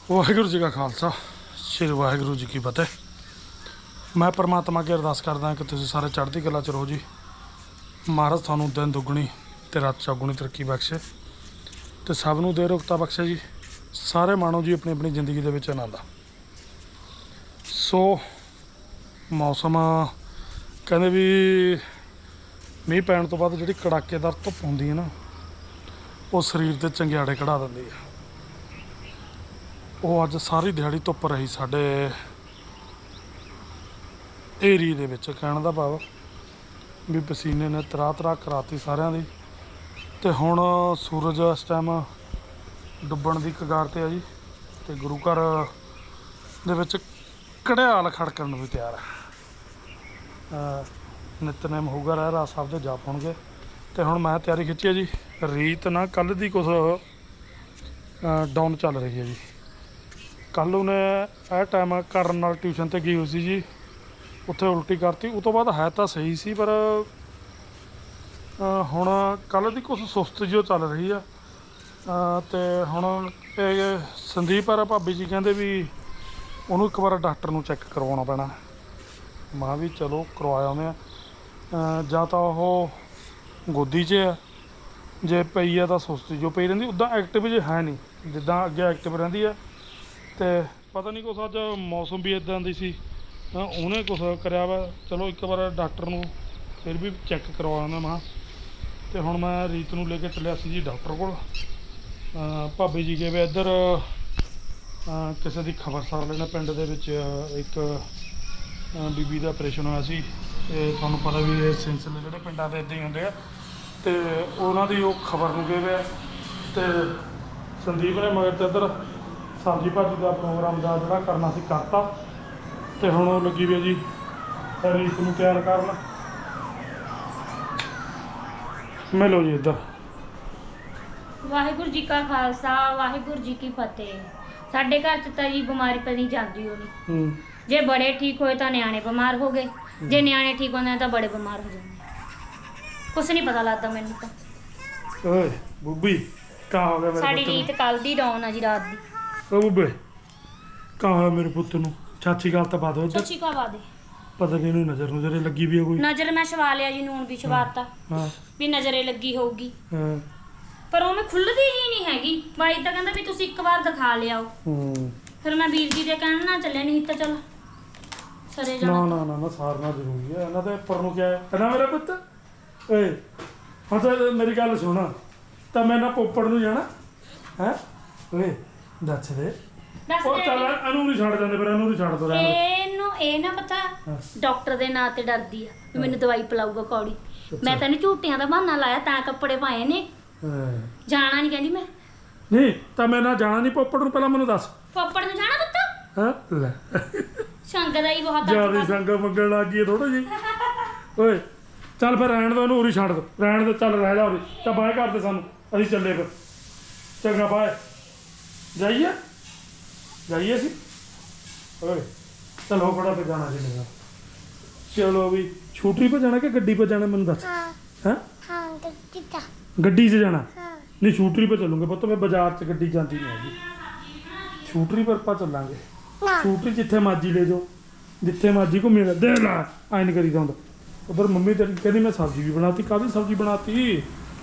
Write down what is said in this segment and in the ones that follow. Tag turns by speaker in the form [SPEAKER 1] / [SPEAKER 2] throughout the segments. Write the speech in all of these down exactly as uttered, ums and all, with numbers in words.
[SPEAKER 1] ਵਾਹਿਗੁਰੂ ਜੀ ਕਾ ਖਾਲਸਾ ਸ਼੍ਰੀ ਵਾਹਿਗੁਰੂ ਜੀ ਕੀ ਫਤਿਹ। ਮੈਂ परमात्मा की अरदास करदा कि तुसीं सारे चढ़ती कला च रहो जी। महाराज थानू दिन दुगनी ते रात चौगुनी तरक्की बख्शे ते सब नूं दे रुखता बख्शे जी। सारे माणो जी अपनी अपनी जिंदगी दे विच आनंद। सो मौसम कहंदे भी मींह पैण तो बाद जिहड़ी कड़ाकेदार धुप्प हुंदी है ना वो शरीर ते चंगियाड़े कढ़ा दिंदी है। वो अज सारी दिहाड़ी धुप्प रही साडे एरिए दे विच। कहण दा भाव भी पसीने ने तरा तरा कराती सारिਆਂ ਦੀ। ਤੇ ਹੁਣ सूरज इस टाइम डुੱਬਣ ਦੀ कगार ਤੇ ਆ जी। ਤੇ गुरु घर ਦੇ ਵਿੱਚ ਘੜਿਆਲ ਖੜਕਣ ਨੂੰ ਵੀ ਤਿਆਰ ਹੈ। ਨਿਤਨੇਮ ਹੋਊਗਾ, ਰਹਿਰਾਸ ਸਾਹਿਬ ਦੇ ਜਾਪ ਹੋਣਗੇ। ਤੇ ਹੁਣ ਮੈਂ ਤਿਆਰੀ ਖਿੱਚੀ ਹੈ ਜੀ। ਰੀਤ ਨਾ ਕੱਲ੍ਹ ਦੀ ਕੁਛ ਡਾਊਨ ਚੱਲ ਰਹੀ ਹੈ ਜੀ। ਕੱਲ੍ਹ ਉਹਨੇ ਇਹ ਟਾਈਮ ਕਰਨ ਨਾਲ ਟਿਊਸ਼ਨ 'ਤੇ ਗਈ ਹੋਈ ਸੀ ਜੀ। ਉੱਥੇ ਉਲਟੀ ਕਰਤੀ। ਉਹ ਤੋਂ ਬਾਅਦ ਹੈ ਤਾਂ ਸਹੀ ਸੀ ਪਰ ਹੁਣ ਕੱਲ੍ਹ ਦੀ ਕੁਛ ਸੁਸਤ ਜਿਹੀ ਚੱਲ ਰਹੀ ਆ। ਅਤੇ ਹੁਣ ਇਹ ਸੰਦੀਪ ਆ ਭਾਬੀ ਜੀ ਕਹਿੰਦੇ ਵੀ ਉਹਨੂੰ ਇੱਕ ਵਾਰ ਡਾਕਟਰ ਨੂੰ ਚੈੱਕ ਕਰਵਾਉਣਾ ਪੈਣਾ। ਮੈਂ ਵੀ ਚਲੋ ਕਰਵਾਇਆ ਉਹਨੇ। ਜਾਂ ਤਾਂ ਉਹ ਗੋਦੀ 'ਚ ਆ, ਜੇ ਪਈ ਆ ਤਾਂ ਸੁਸਤੀ ਜੋ ਪਈ ਰਹਿੰਦੀ। ਉੱਦਾਂ ਐਕਟਿਵ ਜੇ ਹੈ ਨਹੀਂ ਜਿੱਦਾਂ ਅੱਗੇ ਐਕਟਿਵ ਰਹਿੰਦੀ ਆ। ਅਤੇ ਪਤਾ ਨਹੀਂ ਕੁਛ ਅੱਜ ਮੌਸਮ ਵੀ ਇੱਦਾਂ ਦੀ ਸੀ, ਉਹਨੇ ਕੁਛ ਕਰਿਆ ਵਾ। ਚਲੋ ਇੱਕ ਵਾਰ ਡਾਕਟਰ ਨੂੰ ਫਿਰ ਵੀ ਚੈੱਕ ਕਰਵਾਉਣਾ ਮੈਂ। ਅਤੇ ਹੁਣ ਮੈਂ ਰੀਤ ਨੂੰ ਲੈ ਕੇ ਚੱਲਿਆ ਸੀ ਜੀ ਡਾਕਟਰ ਕੋਲ। ਭਾਬੀ ਜੀ ਗਏ ਵੇ ਇੱਧਰ ਕਿਸੇ ਦੀ ਖਬਰਸਾਰ ਲੈਣਾ। ਪਿੰਡ ਦੇ ਵਿੱਚ ਇੱਕ ਬੀਬੀ ਦਾ ਆਪਰੇਸ਼ਨ ਹੋਇਆ ਸੀ। ਅਤੇ ਤੁਹਾਨੂੰ ਪਤਾ ਵੀ ਇਹ ਸਿਲਸਿਲੇ ਜਿਹੜੇ ਪਿੰਡਾਂ ਦੇ ਇੱਦਾਂ ਹੀ ਹੁੰਦੇ ਆ। ਅਤੇ ਉਹਨਾਂ ਦੀ ਉਹ ਖਬਰ ਨੂੰ ਗਏ ਵੇ ਆ। ਅਤੇ ਸੰਦੀਪ ਨੇ ਮਗਰ ਤੇ ਇੱਧਰ ਸਬਜ਼ੀ ਭਾਜੀ ਦਾ ਪ੍ਰੋਗਰਾਮ ਦਾ ਜਿਹੜਾ ਕਰਨਾ ਸੀ ਕਰਤਾ। ਅਤੇ ਹੁਣ ਉਹ ਲੱਗੀ ਵੀ ਜੀ ਰੀਤ ਨੂੰ ਤਿਆਰ ਕਰਨ। ਮਿਲੋ ਜੀ ਇੱਧਰ।
[SPEAKER 2] ਵਾਹਿਗੁਰੂ ਜੀ ਕਾ ਖਾਲਸਾ ਵਾਹਿਗੁਰੂ ਜੀ ਕੀ ਫਤਿਹ। ਸਾਡੇ ਘਰ 'ਚ ਤਾਂ ਜੀ ਬਿਮਾਰੀ ਪਈ ਜਾਂਦੀ ਹੋਣੀ। ਜੇ ਬੜੇ ਠੀਕ ਹੋਏ ਤਾਂ ਨਿਆਣੇ ਬਿਮਾਰ ਹੋ ਗਏ, ਜੇ ਨਿਆਣੇ ਠੀਕ ਹੁੰਦੇ ਤਾਂ ਬੜੇ ਬਿਮਾਰ ਹੋ ਜਾਂਦੇ। ਕੁਛ ਨਹੀਂ ਪਤਾ ਲੱਗਦਾ ਮੈਨੂੰ ਤਾਂ।
[SPEAKER 1] ਓਏ ਬੁੱਬੀ ਕਾ ਹੋ ਗਿਆ ਮੇਰੇ
[SPEAKER 2] ਸਾਡੀ
[SPEAKER 1] ਪੁੱਤ ਨੂੰ?
[SPEAKER 2] ਰੀਤ ਕੱਲ ਦੀ ਡਾਊਨ ਆ ਜੀ, ਰਾਤ ਦੀ।
[SPEAKER 1] ਓ ਬੁੱਬੇ ਕਾ ਹੋਇਆ ਮੇਰੇ ਪੁੱਤ ਨੂੰ? ਚਾਚੀ ਗੱਲ ਤਾਂ ਪਾ ਦੋ।
[SPEAKER 2] ਸੱਚੀ ਕਵਾ ਦੇ।
[SPEAKER 1] ਪਤਾ ਨਹੀਂ ਇਹਨੂੰ ਨਜ਼ਰ ਨੁਜ਼ਰੇ ਲੱਗੀ ਵੀ ਆ ਕੋਈ?
[SPEAKER 2] ਨਜ਼ਰ ਮੈਂ ਛਵਾ ਲਿਆ ਜੀ, ਨੂਣ ਵੀ ਛਵਾਤਾ
[SPEAKER 1] ਹਾਂ
[SPEAKER 2] ਵੀ ਨਜ਼ਰੇ ਲੱਗੀ ਹੋਊਗੀ।
[SPEAKER 1] ਹਾਂ
[SPEAKER 2] ਪਰ ਉਹ ਮੈਂ ਖੁੱਲਦੀ ਹੀ ਨਹੀਂ ਹੈਗੀ। ਬਾਈ ਤਾਂ ਕਹਿੰਦਾ ਵੀ ਤੁਸੀਂ ਇੱਕ ਵਾਰ ਦਿਖਾ ਲਿਆਓ।
[SPEAKER 1] ਹੂੰ
[SPEAKER 2] ਫਿਰ ਮੈਂ ਵੀਰ ਜੀ ਦੇ ਕਹਿਣ ਨਾਲ ਚੱਲਿਆ, ਨਹੀਂ ਤਾਂ ਚਲ ਸਰੇ
[SPEAKER 1] ਨਾ
[SPEAKER 2] ਜਾਣਾ।
[SPEAKER 1] ਨਾ ਨਾ ਨਾ ਸਾਰਨਾ ਜ਼ਰੂਰੀ ਹੈ। ਇਹਨਾਂ ਦੇ ਉੱਪਰ ਨੂੰ ਕਿਹਾ ਹੈ ਨਾ ਮੇਰਾ ਪੁੱਤ। ਓਏ ਹੁਣ ਤਾਂ ਮੇਰੀ ਗੱਲ ਸੁਣ, ਤਾਂ ਮੈਂ ਨਾ ਪੋਪੜ ਨੂੰ ਜਾਣਾ ਹੈ। ਓਏ ਦੱਸ ਦੇ।
[SPEAKER 2] ਦੱਸ
[SPEAKER 1] ਉਹ
[SPEAKER 2] ਦੇ
[SPEAKER 1] ਚੱਲ ਇਹਨੂੰ ਨਹੀਂ ਛੱਡ ਜਾਂਦੇ, ਪਰ ਇਹਨੂੰ ਨਹੀਂ ਛੱਡ ਦੋ। ਰਹਿਣ
[SPEAKER 2] ਇਹਨੂੰ ਇਹ ਨਾ ਪਤਾ ਡਾਕਟਰ ਦੇ ਨਾਂ ਤੇ ਡਰਦੀ ਆ ਵੀ ਮੈਨੂੰ ਦਵਾਈ ਪਿਲਾਊਗਾ ਕੌੜੀ। ਮੈਂ ਤੈਨੂੰ ਝੂਟੀਆਂ ਦਾ ਬਹਾਨਾ ਲਾਇਆ ਤਾਂ ਕੱਪੜੇ ਪਾਏ ਨੇ। ਜਾਣਾ ਨਹੀਂ ਕਹਿੰਦੀ ਮੈਂ।
[SPEAKER 1] ਨਹੀਂ ਤਾਂ ਮੈਂ ਨਾ ਜਾਣਾ ਨਹੀਂ ਪੋਪੜ ਨੂੰ। ਪਹਿਲਾਂ ਮੈਨੂੰ ਦੱਸ
[SPEAKER 2] ਪੋਪੜ ਨੂੰ ਜਾਣਾ ਪੁੱਤ?
[SPEAKER 1] ਹਾਂ ਲੈ
[SPEAKER 2] ਸੰਗ ਦਾ ਹੀ ਬਹੁਤ
[SPEAKER 1] ਜਿਆਦਾ ਸੰਗ ਮੰਗਣ ਲੱਗ ਗਈ ਥੋੜਾ ਜੀ। ਓਏ ਚੱਲ ਫਿਰ ਰਹਿਣ ਦੋ ਇਹਨੂੰ, ਉਰੀ ਛੱਡ ਦੋ। ਰਹਿਣ ਦੇ, ਚੱਲ ਰਹਿ ਜਾ ਉਰੀ। ਤਾਂ ਬਾਏ ਕਰਦੇ ਸਾਨੂੰ, ਅਸੀਂ ਚੱਲੇ ਫਿਰ। ਚੰਗਾ ਬਾਏ। ਜਾਈਏ ਜਾਈਏ ਅਸੀਂ। ਓਏ ਚਲੋ ਫੜਾ ਪੇ ਜਾਣਾ ਜੀ ਮੇਰਾ। ਚਲੋ ਵੀ ਛੂਟਰੀ ਪੇ ਜਾਣਾ ਕਿ ਗੱਡੀ ਪੇ ਜਾਣਾ ਮੈਨੂੰ ਦੱਸ। ਹੈਂ
[SPEAKER 3] ਹਾਂ ਗੱਡੀ 'ਚ
[SPEAKER 1] ਗੱਡੀ 'ਚ ਜਾਣਾ?
[SPEAKER 3] ਹਾਂ
[SPEAKER 1] ਨਹੀਂ ਛੂਟਰੀ ਪੇ ਚੱਲੂਗੇ ਪੁੱਤ। ਮੈਂ ਬਾਜ਼ਾਰ 'ਚ ਗੱਡੀ ਜਾਂਦੀ ਨਹੀਂ ਹੈਗੀ। ਛੂਟਰੀ ਪਰ ਆਪਾਂ ਚੱਲਾਂਗੇ।
[SPEAKER 3] ਨਾ
[SPEAKER 1] ਛੂਟਰੀ ਜਿੱਥੇ ਮਰਜੀ ਲੈ ਜਾਓ, ਜਿੱਥੇ ਮਰਜੀ ਘੁੰਮੀ ਲੈ। ਦੇ ਲੈ ਐਂ ਨਹੀਂ ਕਰੀਦਾ ਹੁੰਦਾ। ਉਧਰ ਮੰਮੀ ਤੇਰੀ ਕਹਿੰਦੀ ਮੈਂ ਸਬਜ਼ੀ ਵੀ ਬਣਾਤੀ। ਕਾਹਦੀ ਸਬਜ਼ੀ ਬਣਾਤੀ?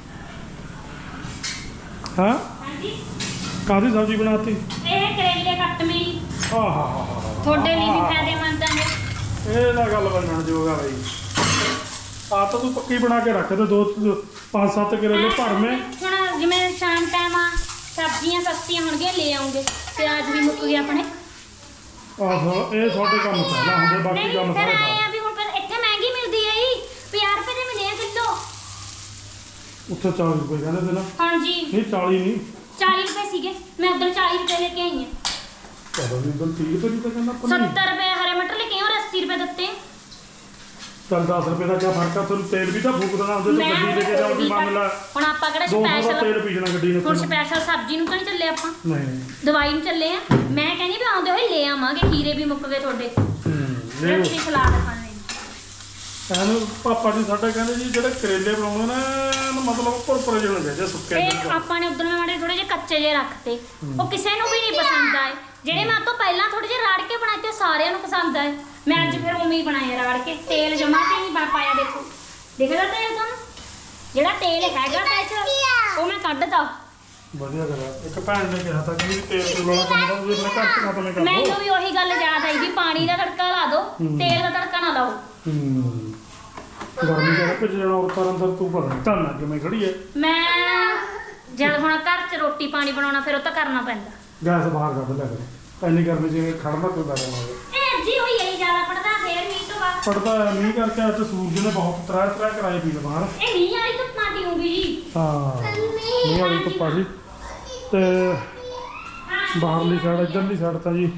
[SPEAKER 1] ਹਾਂ
[SPEAKER 2] ਹਾਂਜੀ
[SPEAKER 1] ਕਾਹਦੀ ਸਬਜ਼ੀ ਬਣਾਤੀ?
[SPEAKER 2] ਇਹ ਕਰੇਲੇ ਕੱਟ ਮੇਰੀ
[SPEAKER 1] ਆਹ ਹਾ ਹਾ ਹਾ
[SPEAKER 2] ਤੁਹਾਡੇ ਲਈ ਵੀ ਫਾਇਦੇਮੰਦ ਆ।
[SPEAKER 1] ਇਹ ਤਾਂ ਗੱਲ ਬਣਨ ਜੋਗਾ ਬਈ। ਆ ਤਾਂ ਤੂੰ ਪੱਕੀ ਬਣਾ ਕੇ ਰੱਖ ਦੇ। ਦੋ ਪੰਜ ਸੱਤ ਕਰੇਲੇ ਭਰਵੇਂ।
[SPEAKER 2] ਹੁਣ ਜਿਵੇਂ ਸ਼ਾਮ ਟਾਈਮ ਆ ਸਬਜ਼ੀਆਂ ਸਸਤੀਆਂ ਹੋਣਗੀਆਂ ਲੈ ਆਉਂਗੇ। ਪਿਆਜ਼ ਵੀ ਮੁੱਕ ਗਏ ਆਪਣੇ।
[SPEAKER 1] ਆਹੋ ਇਹ ਤੁਹਾਡੇ ਕੰਮ ਪਹਿਲਾਂ ਹੁੰਦੇ, ਬਾਕੀ
[SPEAKER 2] ਨਹੀਂ
[SPEAKER 1] ਕੰਮ
[SPEAKER 2] ਫਿਰ
[SPEAKER 1] ਸਾਰੇ
[SPEAKER 2] ਆਏ
[SPEAKER 1] ਬਾਅਦ।
[SPEAKER 2] ਆ ਵੀ ਹੁਣ ਫਿਰ ਇੱਥੇ ਮਹਿੰਗੀ ਮਿਲਦੀ ਹੈ ਜੀ। ਪੰਜਾਹ ਰੁਪਏ ਦੇ ਮਿਲੇ ਆ ਕਿਲੋ।
[SPEAKER 1] ਉੱਥੇ ਚਾਲੀ ਰੁਪਏ ਕਹਿੰਦੇ ਤੇ ਨਾ?
[SPEAKER 2] ਹਾਂਜੀ
[SPEAKER 1] ਨਹੀਂ ਚਾਲੀ ਨਹੀਂ,
[SPEAKER 2] ਚਾਲੀ ਰੁਪਏ ਸੀਗੇ। ਮੈਂ ਉਧਰ ਚਾਲੀ ਰੁਪਏ ਲੈ ਕੇ ਆਈ ਹਾਂ।
[SPEAKER 1] ਪਤਾ ਨਹੀਂ ਉਦੋਂ ਤੀਹ ਰੁਪਏ ਦੀ ਤਾਂ ਕਹਿੰਦਾ ਆਪਾਂ ਨੂੰ।
[SPEAKER 2] ਸੱਤਰ ਰੁਪਏ ਹਰੇ ਮਟਰ ਲੈ ਕੇ ਆਈ ਔਰ ਅੱਸੀ ਰੁਪਏ ਦਿੱਤੇ।
[SPEAKER 1] ਚੱਲ ਦਸ ਰੁਪਏ ਦਾ ਕਿਆ ਫਰਕ ਆ? ਤੁਹਾਨੂੰ ਤੇਲ ਵੀ ਤਾਂ ਫੂਕ ਦੇਣਾ ਹੁੰਦੇ। ਤੂੰ ਗੱਡੀ ਲੈ ਕੇ ਜਾਓਗੀ ਮੰਨ ਲੈ।
[SPEAKER 2] ਹੁਣ ਆਪਾਂ ਕਿਹੜਾ
[SPEAKER 1] ਦੋ ਸੌ ਦਾ
[SPEAKER 2] ਸਪੈਸ਼ਲ
[SPEAKER 1] ਤੇਲ ਪੀਣਾ ਗੱਡੀ ਨੇ।
[SPEAKER 2] ਹੁਣ ਸਪੈਸ਼ਲ ਸਬਜ਼ੀ ਨੂੰ ਤਾਂ ਨਹੀਂ ਚੱਲੇ ਆਪਾਂ,
[SPEAKER 1] ਨਹੀਂ
[SPEAKER 2] ਦਵਾਈ ਨੂੰ ਚੱਲੇ ਆ। ਮੈਂ ਕਹਿੰਦੀ ਵੀ ਆਉਂਦੇ ਹੋਏ ਲੈ ਆਵਾਂਗੇ। ਖੀਰੇ ਵੀ ਮੁੱਕ ਗਏ ਤੁਹਾਡੇ।
[SPEAKER 1] ਹੂੰ
[SPEAKER 2] ਰੱਖੀ ਸਲਾਦ ਖਾਣੇ।
[SPEAKER 1] ਇਹਨੂੰ ਪਾਪਾ ਜੀ ਸਾਡੇ ਕਹਿੰਦੇ ਜੀ ਜਿਹੜੇ ਕਰੇਲੇ ਬਣਾਉਣੇ ਨੇ ਇਹਨੂੰ ਮਤਲਬ ਭੁਰਭੁਰੇ ਜਿਹੇ ਹੋਣੇ ਚਾਹੀਦੇ ਸੁੱਕੇ
[SPEAKER 2] ਤੇ
[SPEAKER 1] ਜਿਹੇ।
[SPEAKER 2] ਆਪਾਂ ਨੇ ਉਧਰ ਮਾੜੇ ਥੋੜੇ ਜਿਹੇ ਕੱਚੇ ਜਿਹੇ ਰੱਖਤੇ ਉਹ ਕਿਸੇ ਨੂੰ ਵੀ ਨਹੀਂ ਪਸੰਦ ਆਏ ਜਿਹੜੇ ਮੈਂ ਤੋਂ ਪਹਿਲਾਂ ਥੋੜੇ ਜਿਹੇ ਰਾੜ ਕੇ ਬਣਾਏ ਤੇ ਸਾਰਿਆਂ ਨੂੰ ਪਸੰਦ ਆਏ ਮੈਂ ਅੱਜ ਫਿਰ ਉਵੇਂ ਹੀ ਬਣਾਏ ਰਾੜ ਕੇ ਤੇਲ ਜਮਾ ਤੇ ਨਹੀਂ ਪਾ ਪਾਇਆ ਦੇਖੋ ਦਿਖਦਾ ਤੇਲ ਤੁਹਾਨੂੰ ਜਿਹੜਾ ਤੇਲ ਹੈਗਾ ਤਾਂ ਇਹ 'ਚ ਉਹ ਮੈਂ ਕੱਢਦਾ
[SPEAKER 1] ਵਧੀਆ ਕਰਿਆ ਇੱਕ ਭੈਣ ਨੇ ਕਿਹਾ ਤਾਂ ਕਿ ਤੇਲ ਤੂਲ ਵਾਲਾ ਕੰਮ ਤਾਂ ਤੁਸੀਂ ਆਪਣੇ ਘਰ ਚ ਖਤਮ ਕਰ
[SPEAKER 2] ਮੈਨੂੰ
[SPEAKER 1] ਦਿਓ।
[SPEAKER 2] ਵੀ ਉਹੀ ਗੱਲ ਯਾਦ ਆਈ ਵੀ ਪਾਣੀ ਦਾ ਤੜਕਾ ਲਾ ਦਿਓ ਤੇਲ ਦਾ ਤੜਕਾ ਨਾ ਲਾਓ
[SPEAKER 1] ਹੂੰ ਗਰਮੀ ਦਾ ਭਿੱਜ ਜਾਣਾ ਔਰਤਾਂ ਅੰਦਰ ਤੂੰ ਪਤਾ ਨਹੀਂ ਧੰਨਾ ਕਿਵੇਂ ਖੜੀ ਹੈ।
[SPEAKER 2] ਮੈਂ ਜਦ ਹੁਣ ਘਰ 'ਚ ਰੋਟੀ ਪਾਣੀ ਬਣਾਉਣਾ ਫਿਰ ਉਹ ਤਾਂ ਕਰਨਾ ਪੈਂਦਾ
[SPEAKER 1] ਗੈਸ ਬਾਹਰ ਕੱਢ ਲਿਆ ਕਰੇ ਇੰਨੀ ਗਰਮੀ ਚ ਖੜਨਾ ਕੋਈ ਬੈਠਾ ਨਾ ਹੋਵੇ।
[SPEAKER 2] ਇਹ ਜੀ ਹੋਈ ਹੈ ਜ਼ਿਆਦਾ ਪੜਦਾ ਫੇਰ ਮੀਂਹ ਤੋਂ ਬਾਅਦ
[SPEAKER 1] ਪੜਦਾ ਹੈ ਮੀਂਹ ਕਰਕੇ ਅੱਜ ਸੂਰਜ ਨੇ ਬਹੁਤ ਤਰਾ ਤਰਾ ਕਰਾਏ ਪੀ ਬਾਹਰ।
[SPEAKER 2] ਇਹ ਮੀਂਹ ਵਾਲੀ ਧੁੱਪਾਂ ਦੀ ਹੋਊਗੀ ਜੀ
[SPEAKER 1] ਹਾਂ ਮੀਂਹ ਵਾਲੀ ਧੁੱਪਾ ਜੀ ਤੇ ਬਾਹਰਲੀ ਸਾਈਡ ਇੱਧਰਲੀ ਸਾਈਡ ਤਾਂ ਜੀ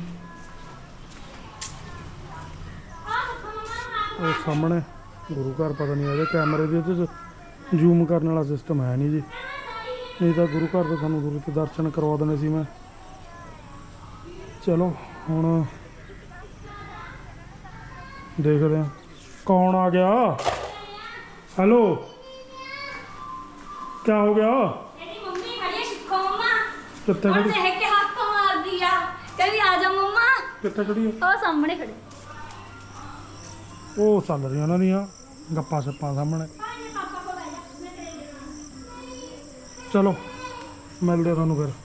[SPEAKER 1] ਉਹ ਸਾਹਮਣੇ ਗੁਰੂ ਘਰ ਪਤਾ ਨਹੀਂ ਇਹਦੇ ਕੈਮਰੇ ਦੇ ਉਹਦੇ 'ਚ ਜ਼ੂਮ ਕਰਨ ਵਾਲਾ ਸਿਸਟਮ ਹੈ ਨਹੀਂ ਜੀ ਨਹੀਂ ਤਾਂ ਗੁਰੂ ਘਰ ਦੇ ਸਾਨੂੰ ਗੁਰੂ ਦੇ ਦਰਸ਼ਨ ਕਰਵਾ ਦੇਣੇ ਸੀ ਮੈਂ। ਚਲੋ ਹੁਣ ਦੇਖਦੇ ਹਾਂ ਕੌਣ ਆ ਗਿਆ। ਹੈਲੋ ਕੀ ਹੋ ਗਿਆ
[SPEAKER 2] ਇਹਦੀ ਮੰਮੀ ਖੜੀ ਸਿੱਖੋ ਮੰਮਾ
[SPEAKER 1] ਕਿੱਥੇ
[SPEAKER 2] ਹੁਣ
[SPEAKER 1] ਖੜੀ
[SPEAKER 2] ਦੇਖ ਕੇ ਹੱਥ ਮਾਰਦੀ ਆ ਕਹਿੰਦੀ ਆ ਜਾ ਮੰਮਾ
[SPEAKER 1] ਕਿੱਥੇ ਖੜੀ ਹੈ
[SPEAKER 2] ਉਹ ਸਾਹਮਣੇ ਖੜੇ
[SPEAKER 1] ਉਹ ਚੱਲ ਰਹੀਆਂ ਉਹਨਾਂ ਦੀਆਂ ਗੱਪਾਂ ਸੱਪਾਂ ਸਾਹਮਣੇ। ਚਲੋ ਮਿਲਦੇ ਆ ਤੁਹਾਨੂੰ ਫਿਰ।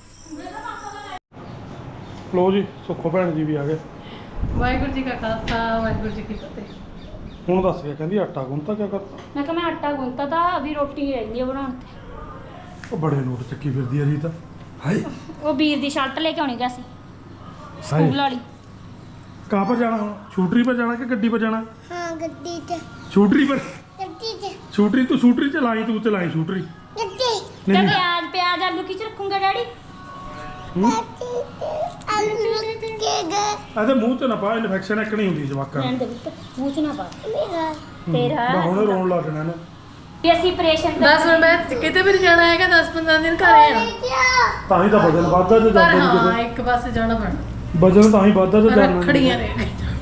[SPEAKER 1] ਲੋ ਜੀ ਸੁੱਖੋ ਭੈਣ ਜੀ ਵੀ ਆ ਗਏ।
[SPEAKER 3] ਵਾਹਿਗੁਰੂ ਜੀ ਕਾ ਖਾਲਸਾ ਵਾਹਿਗੁਰੂ ਜੀ ਕੀ ਫਤਿਹ।
[SPEAKER 1] ਹੁਣ ਦੱਸ ਗਿਆ ਕਹਿੰਦੀ ਆਟਾ ਗੁੰਨਤਾ ਕਿਆ ਕਰਤਾ।
[SPEAKER 2] ਮੈਂ ਕਿਹਾ ਮੈਂ ਆਟਾ ਗੁੰਨਤਾ ਤਾਂ ਅਭੀ ਰੋਟੀ ਰਹਿੰਦੀ ਆ ਬਣਾਉਣ ਤੇ
[SPEAKER 1] ਉਹ ਬੜੇ ਨੋਟ ਚੱਕੀ ਫਿਰਦੀ ਆ ਰੀਤ। ਹਾਏ
[SPEAKER 2] ਉਹ ਵੀਰ ਦੀ ਸ਼ਰਟ ਲੈ ਕੇ ਆਉਣੀ ਗਿਆ ਸੀ
[SPEAKER 1] ਹਾਏ
[SPEAKER 2] ਸਕੂਲ ਵਾਲੀ।
[SPEAKER 1] ਕਹਾਂ ਪਰ ਜਾਣਾ ਹੁਣ ਛੂਟਰੀ ਪਰ ਜਾਣਾ ਕਿ ਗੱਡੀ ਪਰ ਜਾਣਾ।
[SPEAKER 4] हाँ गड्डी च
[SPEAKER 1] ਛੂਟਰੀ ਪਰ
[SPEAKER 4] गड्डी च
[SPEAKER 1] ਛੂਟਰੀ ਤੂੰ ਛੂਟਰੀ ਚਲਾਈ ਤੂੰ ਚਲਾਈ ਛੂਟਰੀ
[SPEAKER 4] गड्डी
[SPEAKER 2] ਤੇ
[SPEAKER 1] ਨਹੀਂ
[SPEAKER 2] ਪਿਆਜ਼ ਪਿਆਜ਼ ਆਲੂ ਕੀ ਚ ਰੱਖੂੰਗਾ ਡੈਡੀ
[SPEAKER 1] ਹੂੰ?
[SPEAKER 4] आलू के गए
[SPEAKER 1] ਇਹਦੇ ਮੂੰਹ 'ਚ ਨਾ ਪਾ ਇਨਫੈਕਸ਼ਨ ਇੱਕ ਨਹੀਂ ਹੁੰਦੀ ਜਵਾਕਾਂ ਨੂੰ।
[SPEAKER 2] ਰਹਿਣ ਦੇ ਪੁੱਤ ਮੂੰਹ ਚ ਨਾ ਪਾ
[SPEAKER 4] मेरा
[SPEAKER 2] ਤੇਰਾ
[SPEAKER 1] ਮੈਂ ਹੁਣੇ ਰੋਣ ਲੱਗ ਜਾਣਾ ਇਹਨੇ।
[SPEAKER 2] ਵੀ ਅਸੀਂ ਆਪਰੇਸ਼ਨ
[SPEAKER 3] ਬਸ ਹੁਣ ਮੈਂ ਕਿਤੇ ਵੀ ਨਹੀਂ ਜਾਣਾ ਹੈਗਾ ਦਸ ਪੰਦਰਾਂ ਦਿਨ ਘਰੇ ਆ
[SPEAKER 4] क्या
[SPEAKER 1] ਤਾਂ ਹੀ ਤਾਂ ਵਜਨ ਵੱਧਦਾ ਜੇ
[SPEAKER 3] ਪਰ
[SPEAKER 1] ਜਾਂਦੇ ਨਹੀਂ
[SPEAKER 3] ਹਾਂ
[SPEAKER 1] ਕਿਤੇ
[SPEAKER 3] ਇੱਕ ਪਾਸੇ ਜਾਣਾ ਪੈਣਾ
[SPEAKER 1] ਵਜਨ ਤਾਂ ਹੀ ਵੱਧਦਾ ਜੇ ਜਾਣਾ
[SPEAKER 3] ਰੱਖੜੀਆਂ ਨੇ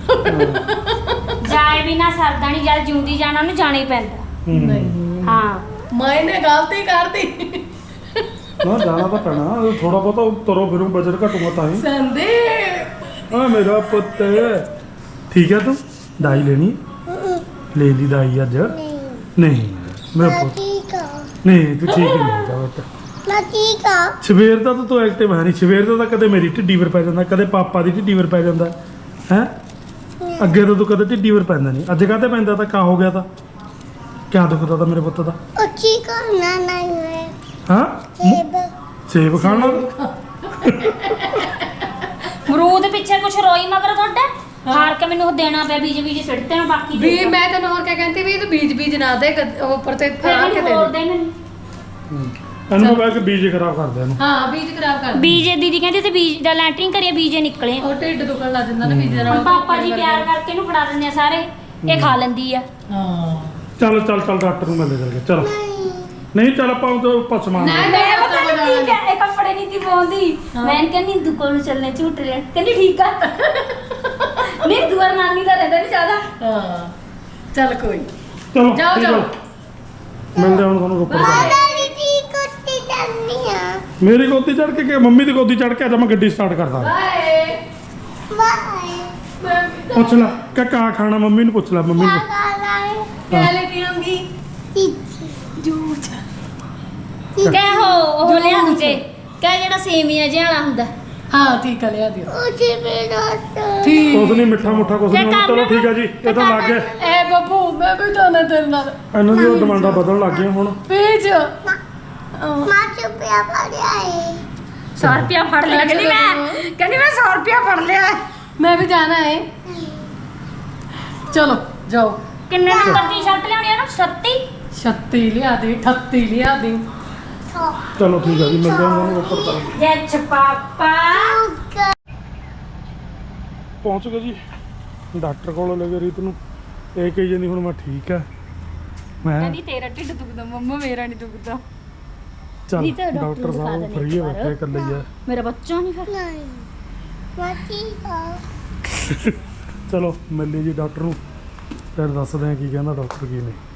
[SPEAKER 2] ਜਾਏ ਬਿਨਾ ਸਰਦਾ ਨਹੀਂ ਜਦ ਜਿਉਂਦੀ ਜਾਣਾ ਉਹਨੂੰ ਜਾਣਾ ਹੀ ਪੈਂਦਾ
[SPEAKER 1] ਨਹੀਂ
[SPEAKER 3] ਨਹੀਂ
[SPEAKER 2] ਹਾਂ
[SPEAKER 3] ਮੈਨੇ ਗਲਤੀ ਕਰਤੀ
[SPEAKER 1] ਨਾ ਜਾਣਾ ਤਾਂ ਪੈਣਾ ਥੋੜਾ ਬਹੁਤਾ ਤੁਰੋ ਫਿਰੋ ਵਜਨ ਘਟੂਗਾ ਤਾਂ ਹੀ।
[SPEAKER 3] ਸੰਦੀਪ
[SPEAKER 1] ਆ ਮੇਰਾ ਪੁੱਤ ਠੀਕ ਹੈ ਤੂੰ ਦਾਈ ਲੈਣੀ ਲੈ ਲਈ ਦਾਈ ਅੱਜ
[SPEAKER 4] नहीं
[SPEAKER 1] ਨਹੀਂ ਮੇਰਾ
[SPEAKER 4] मैं
[SPEAKER 1] ਪੁੱਤ
[SPEAKER 4] ठीक हूँ
[SPEAKER 1] ਨਹੀਂ ਤੂੰ ਠੀਕ ਨਹੀਂ ਹੈਗਾ ਪੁੱਤ।
[SPEAKER 4] मैं ठीक हूँ
[SPEAKER 1] ਸਵੇਰ ਦਾ ਤਾਂ ਤੂੰ ਐਕਟਿਵ ਹੈ ਨਹੀਂ ਸਵੇਰ ਦਾ ਤਾਂ ਕਦੇ ਮੇਰੀ ਢਿੱਡੀ ਵਰ ਪੈ ਜਾਂਦਾ ਕਦੇ ਪਾਪਾ ਦੀ ਢਿੱਡੀ ਵਰ ਪੈ ਜਾਂਦਾ ਹੈ ਅੱਗੇ ਤਾਂ ਤੂੰ ਕਦੇ ਢਿੱਡੀ ਵਰ ਪੈਂਦਾ ਨਹੀਂ ਅੱਜ ਕਾਹਤੇ ਪੈਂਦਾ ਤਾਂ ਕਾ ਹੋ ਗਿਆ ਤਾਂ ਕਿਆ ਦੁਖਦਾ ਤਾਂ ਮੇਰੇ ਪੁੱਤ ਦਾ
[SPEAKER 4] और ठीक हूँ ना नहीं है
[SPEAKER 1] ਹਾਂ
[SPEAKER 4] सेब
[SPEAKER 1] ਸੇਬ ਖਾਣਾ
[SPEAKER 2] ਮਰੂਦ ਪਿੱਛੇ ਕੁਛ ਰੋਈ ਮਗਰ ਤੁਹਾਡੇ ਹਾਰ ਕੇ ਮੈਨੂੰ ਉਹ ਦੇਣਾ ਪਿਆ ਬੀਜ ਬੀਜ ਸਿੱਟਦੇ ਮੈਂ ਬਾਕੀ ਦੇ
[SPEAKER 3] ਵੀ ਮੈਂ ਤੈਨੂੰ ਹੋਰ ਕਿਆ ਕਹਿੰਦੀ ਵੀ ਇਹ ਬੀਜ ਬੀਜ ਨਾ ਦੇ ਗੱਦ- ਉਹ ਉੱਪਰ ਤੇ
[SPEAKER 2] ਫਿਰ
[SPEAKER 3] ਫੜਾ ਕੇ
[SPEAKER 2] ਮੈਨੂੰ
[SPEAKER 3] ਦੇ
[SPEAKER 2] ਹੋਰ
[SPEAKER 3] ਦੇ
[SPEAKER 2] ਦੇ ਮੈਨੂੰ
[SPEAKER 1] ਇਹਨੂੰ ਮੈਂ ਕਿ ਬੀਜ ਖਰਾਬ ਕਰਦੇ ਇਹਨੂੰ
[SPEAKER 3] ਹਾਂ ਬੀਜ ਖਰਾਬ ਕਰ ਦੇ
[SPEAKER 2] ਬੀਜ ਦੀਦੀ ਕਹਿੰਦੀ ਤੇ ਬੀਜ ਦਾ ਲੈਂਟਰਿੰਗ ਕਰੀਏ ਬੀਜੇ ਨਿਕਲੇ
[SPEAKER 3] ਉਹ ਢਿੱਡ ਦੁਖਣ ਲੱਗ ਜਾਂਦਾ ਨਾ ਬੀਜ ਦੇ
[SPEAKER 2] ਹੁਣ
[SPEAKER 3] ਨਾਲ
[SPEAKER 2] ਪਾਪਾ ਜੀ ਪਿਆਰ ਕਰਕੇ ਇਹਨੂੰ ਫੜਾ ਦਿੰਦੇ ਆ ਸਾਰੇ ਇਹ ਖਾ ਲੈਂਦੀ ਆ
[SPEAKER 3] ਹਾਂ
[SPEAKER 1] ਚੱਲ ਚੱਲ ਚੱਲ ਡਾਕਟਰ ਨੂੰ ਮਿਲਦੇ ਚੱਲ ਚਲ
[SPEAKER 4] नहीं
[SPEAKER 1] ਨਹੀਂ ਚੱਲ ਆਪਾਂ ਉਹ ਪਸਮਾਨ
[SPEAKER 3] ਨਹੀਂ।
[SPEAKER 2] ਮੈਂ ਪਤਾ ਨਹੀਂ ਠੀਕ ਹੈ ਇਹ ਕੱਪੜੇ ਨਹੀਂ ਦੀ ਪਾਉਂਦੀ ਮੈਂ ਕਹਿੰਦੀ ਦੁਕਾਨ ਨੂੰ ਚੱਲਣੇ ਝੂਟ ਲੈਣ ਕਹਿੰਦੀ ਠੀਕ ਆ ਨਹੀਂ ਦੁਆਰ ਨਾਨੀ ਦਾ ਰਹਿੰਦਾ ਨਹੀਂ ਜ਼ਿਆਦਾ
[SPEAKER 3] ਹਾਂ ਚੱਲ ਕੋਈ
[SPEAKER 1] ਚਲੋ
[SPEAKER 3] ਜਾਓ,
[SPEAKER 1] ਠੀਕ ਆ।
[SPEAKER 3] ਜਾਓ।
[SPEAKER 1] ਮਿਲਦੇ ਹਾਂ ਹੁਣ ਤੁਹਾਨੂੰ ਰੋਪੜ ਜਾ
[SPEAKER 4] दादी जी कुत्ती चलनी है
[SPEAKER 1] ਮੇਰੀ ਗੋਦੀ ਚੜ ਕੇ ਕਿ ਮੰਮੀ ਦੀ ਗੋਦੀ ਚੜ ਕੇ ਅੱਜ ਮੈਂ ਗੱਡੀ ਸਟਾਰਟ ਕਰਦਾ
[SPEAKER 3] ਬਾਏ
[SPEAKER 4] बाय
[SPEAKER 1] ਪੁੱਛ ਲੈ ਕਿ ਕਾ ਖਾਣਾ ਮੰਮੀ ਨੂੰ ਪੁੱਛ ਲੈ ਮੰਮੀ ਨੂੰ
[SPEAKER 4] क्या कर रहा है
[SPEAKER 3] ਕਿਆ ਲੈ ਕੇ ਆਉਂਗੀ
[SPEAKER 4] चीची
[SPEAKER 3] ਜੂਸ
[SPEAKER 2] ਕਹਿ ਹੋ ਉਹ ਲਿਆ ਕੇ ਕਹਿ ਜਿਹੜਾ ਸੇਮੀਆਂ ਜਿਹਾ ਵਾਲਾ ਹੁੰਦਾ
[SPEAKER 3] ਹਾਂ ਠੀਕ ਆ ਲਿਆ ਦਿਓ
[SPEAKER 4] मुझे मेरा
[SPEAKER 3] ਠੀਕ
[SPEAKER 1] ਕੁਛ ਨਹੀਂ ਮਿੱਠਾ ਮੁੱਠਾ ਕੁਛ ਨਹੀਂ ਹੋਣਾ। ਚਲੋ ਠੀਕ ਆ ਜੀ ਇਹ ਤਾਂ ਲੱਗ ਗਿਆ
[SPEAKER 3] ਐ ਬੱਬੂ ਮੈਂ ਵੀ ਤਾਂ ਨਾ ਤੇਰੇ ਨਾਲ
[SPEAKER 1] ਇਹਨਾਂ ਦੀਆਂ ਡਿਮਾਂਡਾਂ ਬਦਲਣ ਲੱਗ ਗਈਆਂ ਹੁਣ
[SPEAKER 3] ਪੀਜ
[SPEAKER 4] माँ चुपिया पड़ा है
[SPEAKER 2] ਸੌ ਰੁਪਿਆ ਫੜ ਲਿਆ ਕਹਿੰਦੀ ਮੈਂ ਕਹਿੰਦੀ ਮੈਂ ਸੌ ਰੁਪਿਆ ਫੜ ਲਿਆ
[SPEAKER 3] ਮੈਂ ਵੀ ਜਾਣਾ ਹੈ ਚਲੋ ਜਾਓ
[SPEAKER 2] ਕਿੰਨੇ ਨੰਬਰ ਦੀ ਸ਼ਰਟ ਲਿਆਉਣੀ ਆ ਨਾ ਛੱਤੀ
[SPEAKER 3] ਛੱਤੀ ਲਿਆ ਦੇ ਅਠੱਤੀ ਲਿਆ ਦੇ
[SPEAKER 4] तो
[SPEAKER 1] ਚਲੋ ਠੀਕ ਆ ਜੀ ਮਿਲਦੇ ਹਾਂ ਤੁਹਾਨੂੰ ਰੋਪੜ ਤੱਕ
[SPEAKER 2] ਜੈ ਪਾਪਾ
[SPEAKER 1] ਪਹੁੰਚ ਗਏ ਜੀ ਡਾਕਟਰ ਕੋਲ ਲੈ ਗਏ ਰੀਤ ਨੂੰ ਇਹ ਕਹੀ ਜਾਂਦੀ ਹੁਣ ਮੈਂ ਠੀਕ ਆ ਮੈਂ
[SPEAKER 2] ਕਹਿੰਦੀ ਤੇਰਾ ਢਿੱਡ ਦੁਖਦਾ ਮੰਮਾ ਮੇਰਾ ਨਹੀਂ ਦੁਖਦਾ
[SPEAKER 1] ਚੱਲ
[SPEAKER 2] ਰੀਤ, ਡਾਕਟਰ
[SPEAKER 1] ਡਾਕਟਰ
[SPEAKER 2] ਨੂੰ
[SPEAKER 1] ਸਾਹਿਬ
[SPEAKER 2] ਦਿਖਾ
[SPEAKER 1] ਫਰੀ
[SPEAKER 2] ਦੇਣੇ
[SPEAKER 1] ਹੈ ਬੈਠੇ ਇਕੱਲੇ ਹੀ ਆ
[SPEAKER 2] ਮੇਰਾ ਬੱਚਾ ਨਹੀਂ ਫਿਰ
[SPEAKER 4] नहीं मैं ठीक हूँ
[SPEAKER 1] ਚਲੋ ਮਿਲ ਲਈ ਜੀ ਡਾਕਟਰ ਨੂੰ ਫਿਰ ਦੱਸਦੇ ਆ ਕੀ ਕਹਿੰਦਾ ਡਾਕਟਰ ਕੀ ਨਹੀਂ।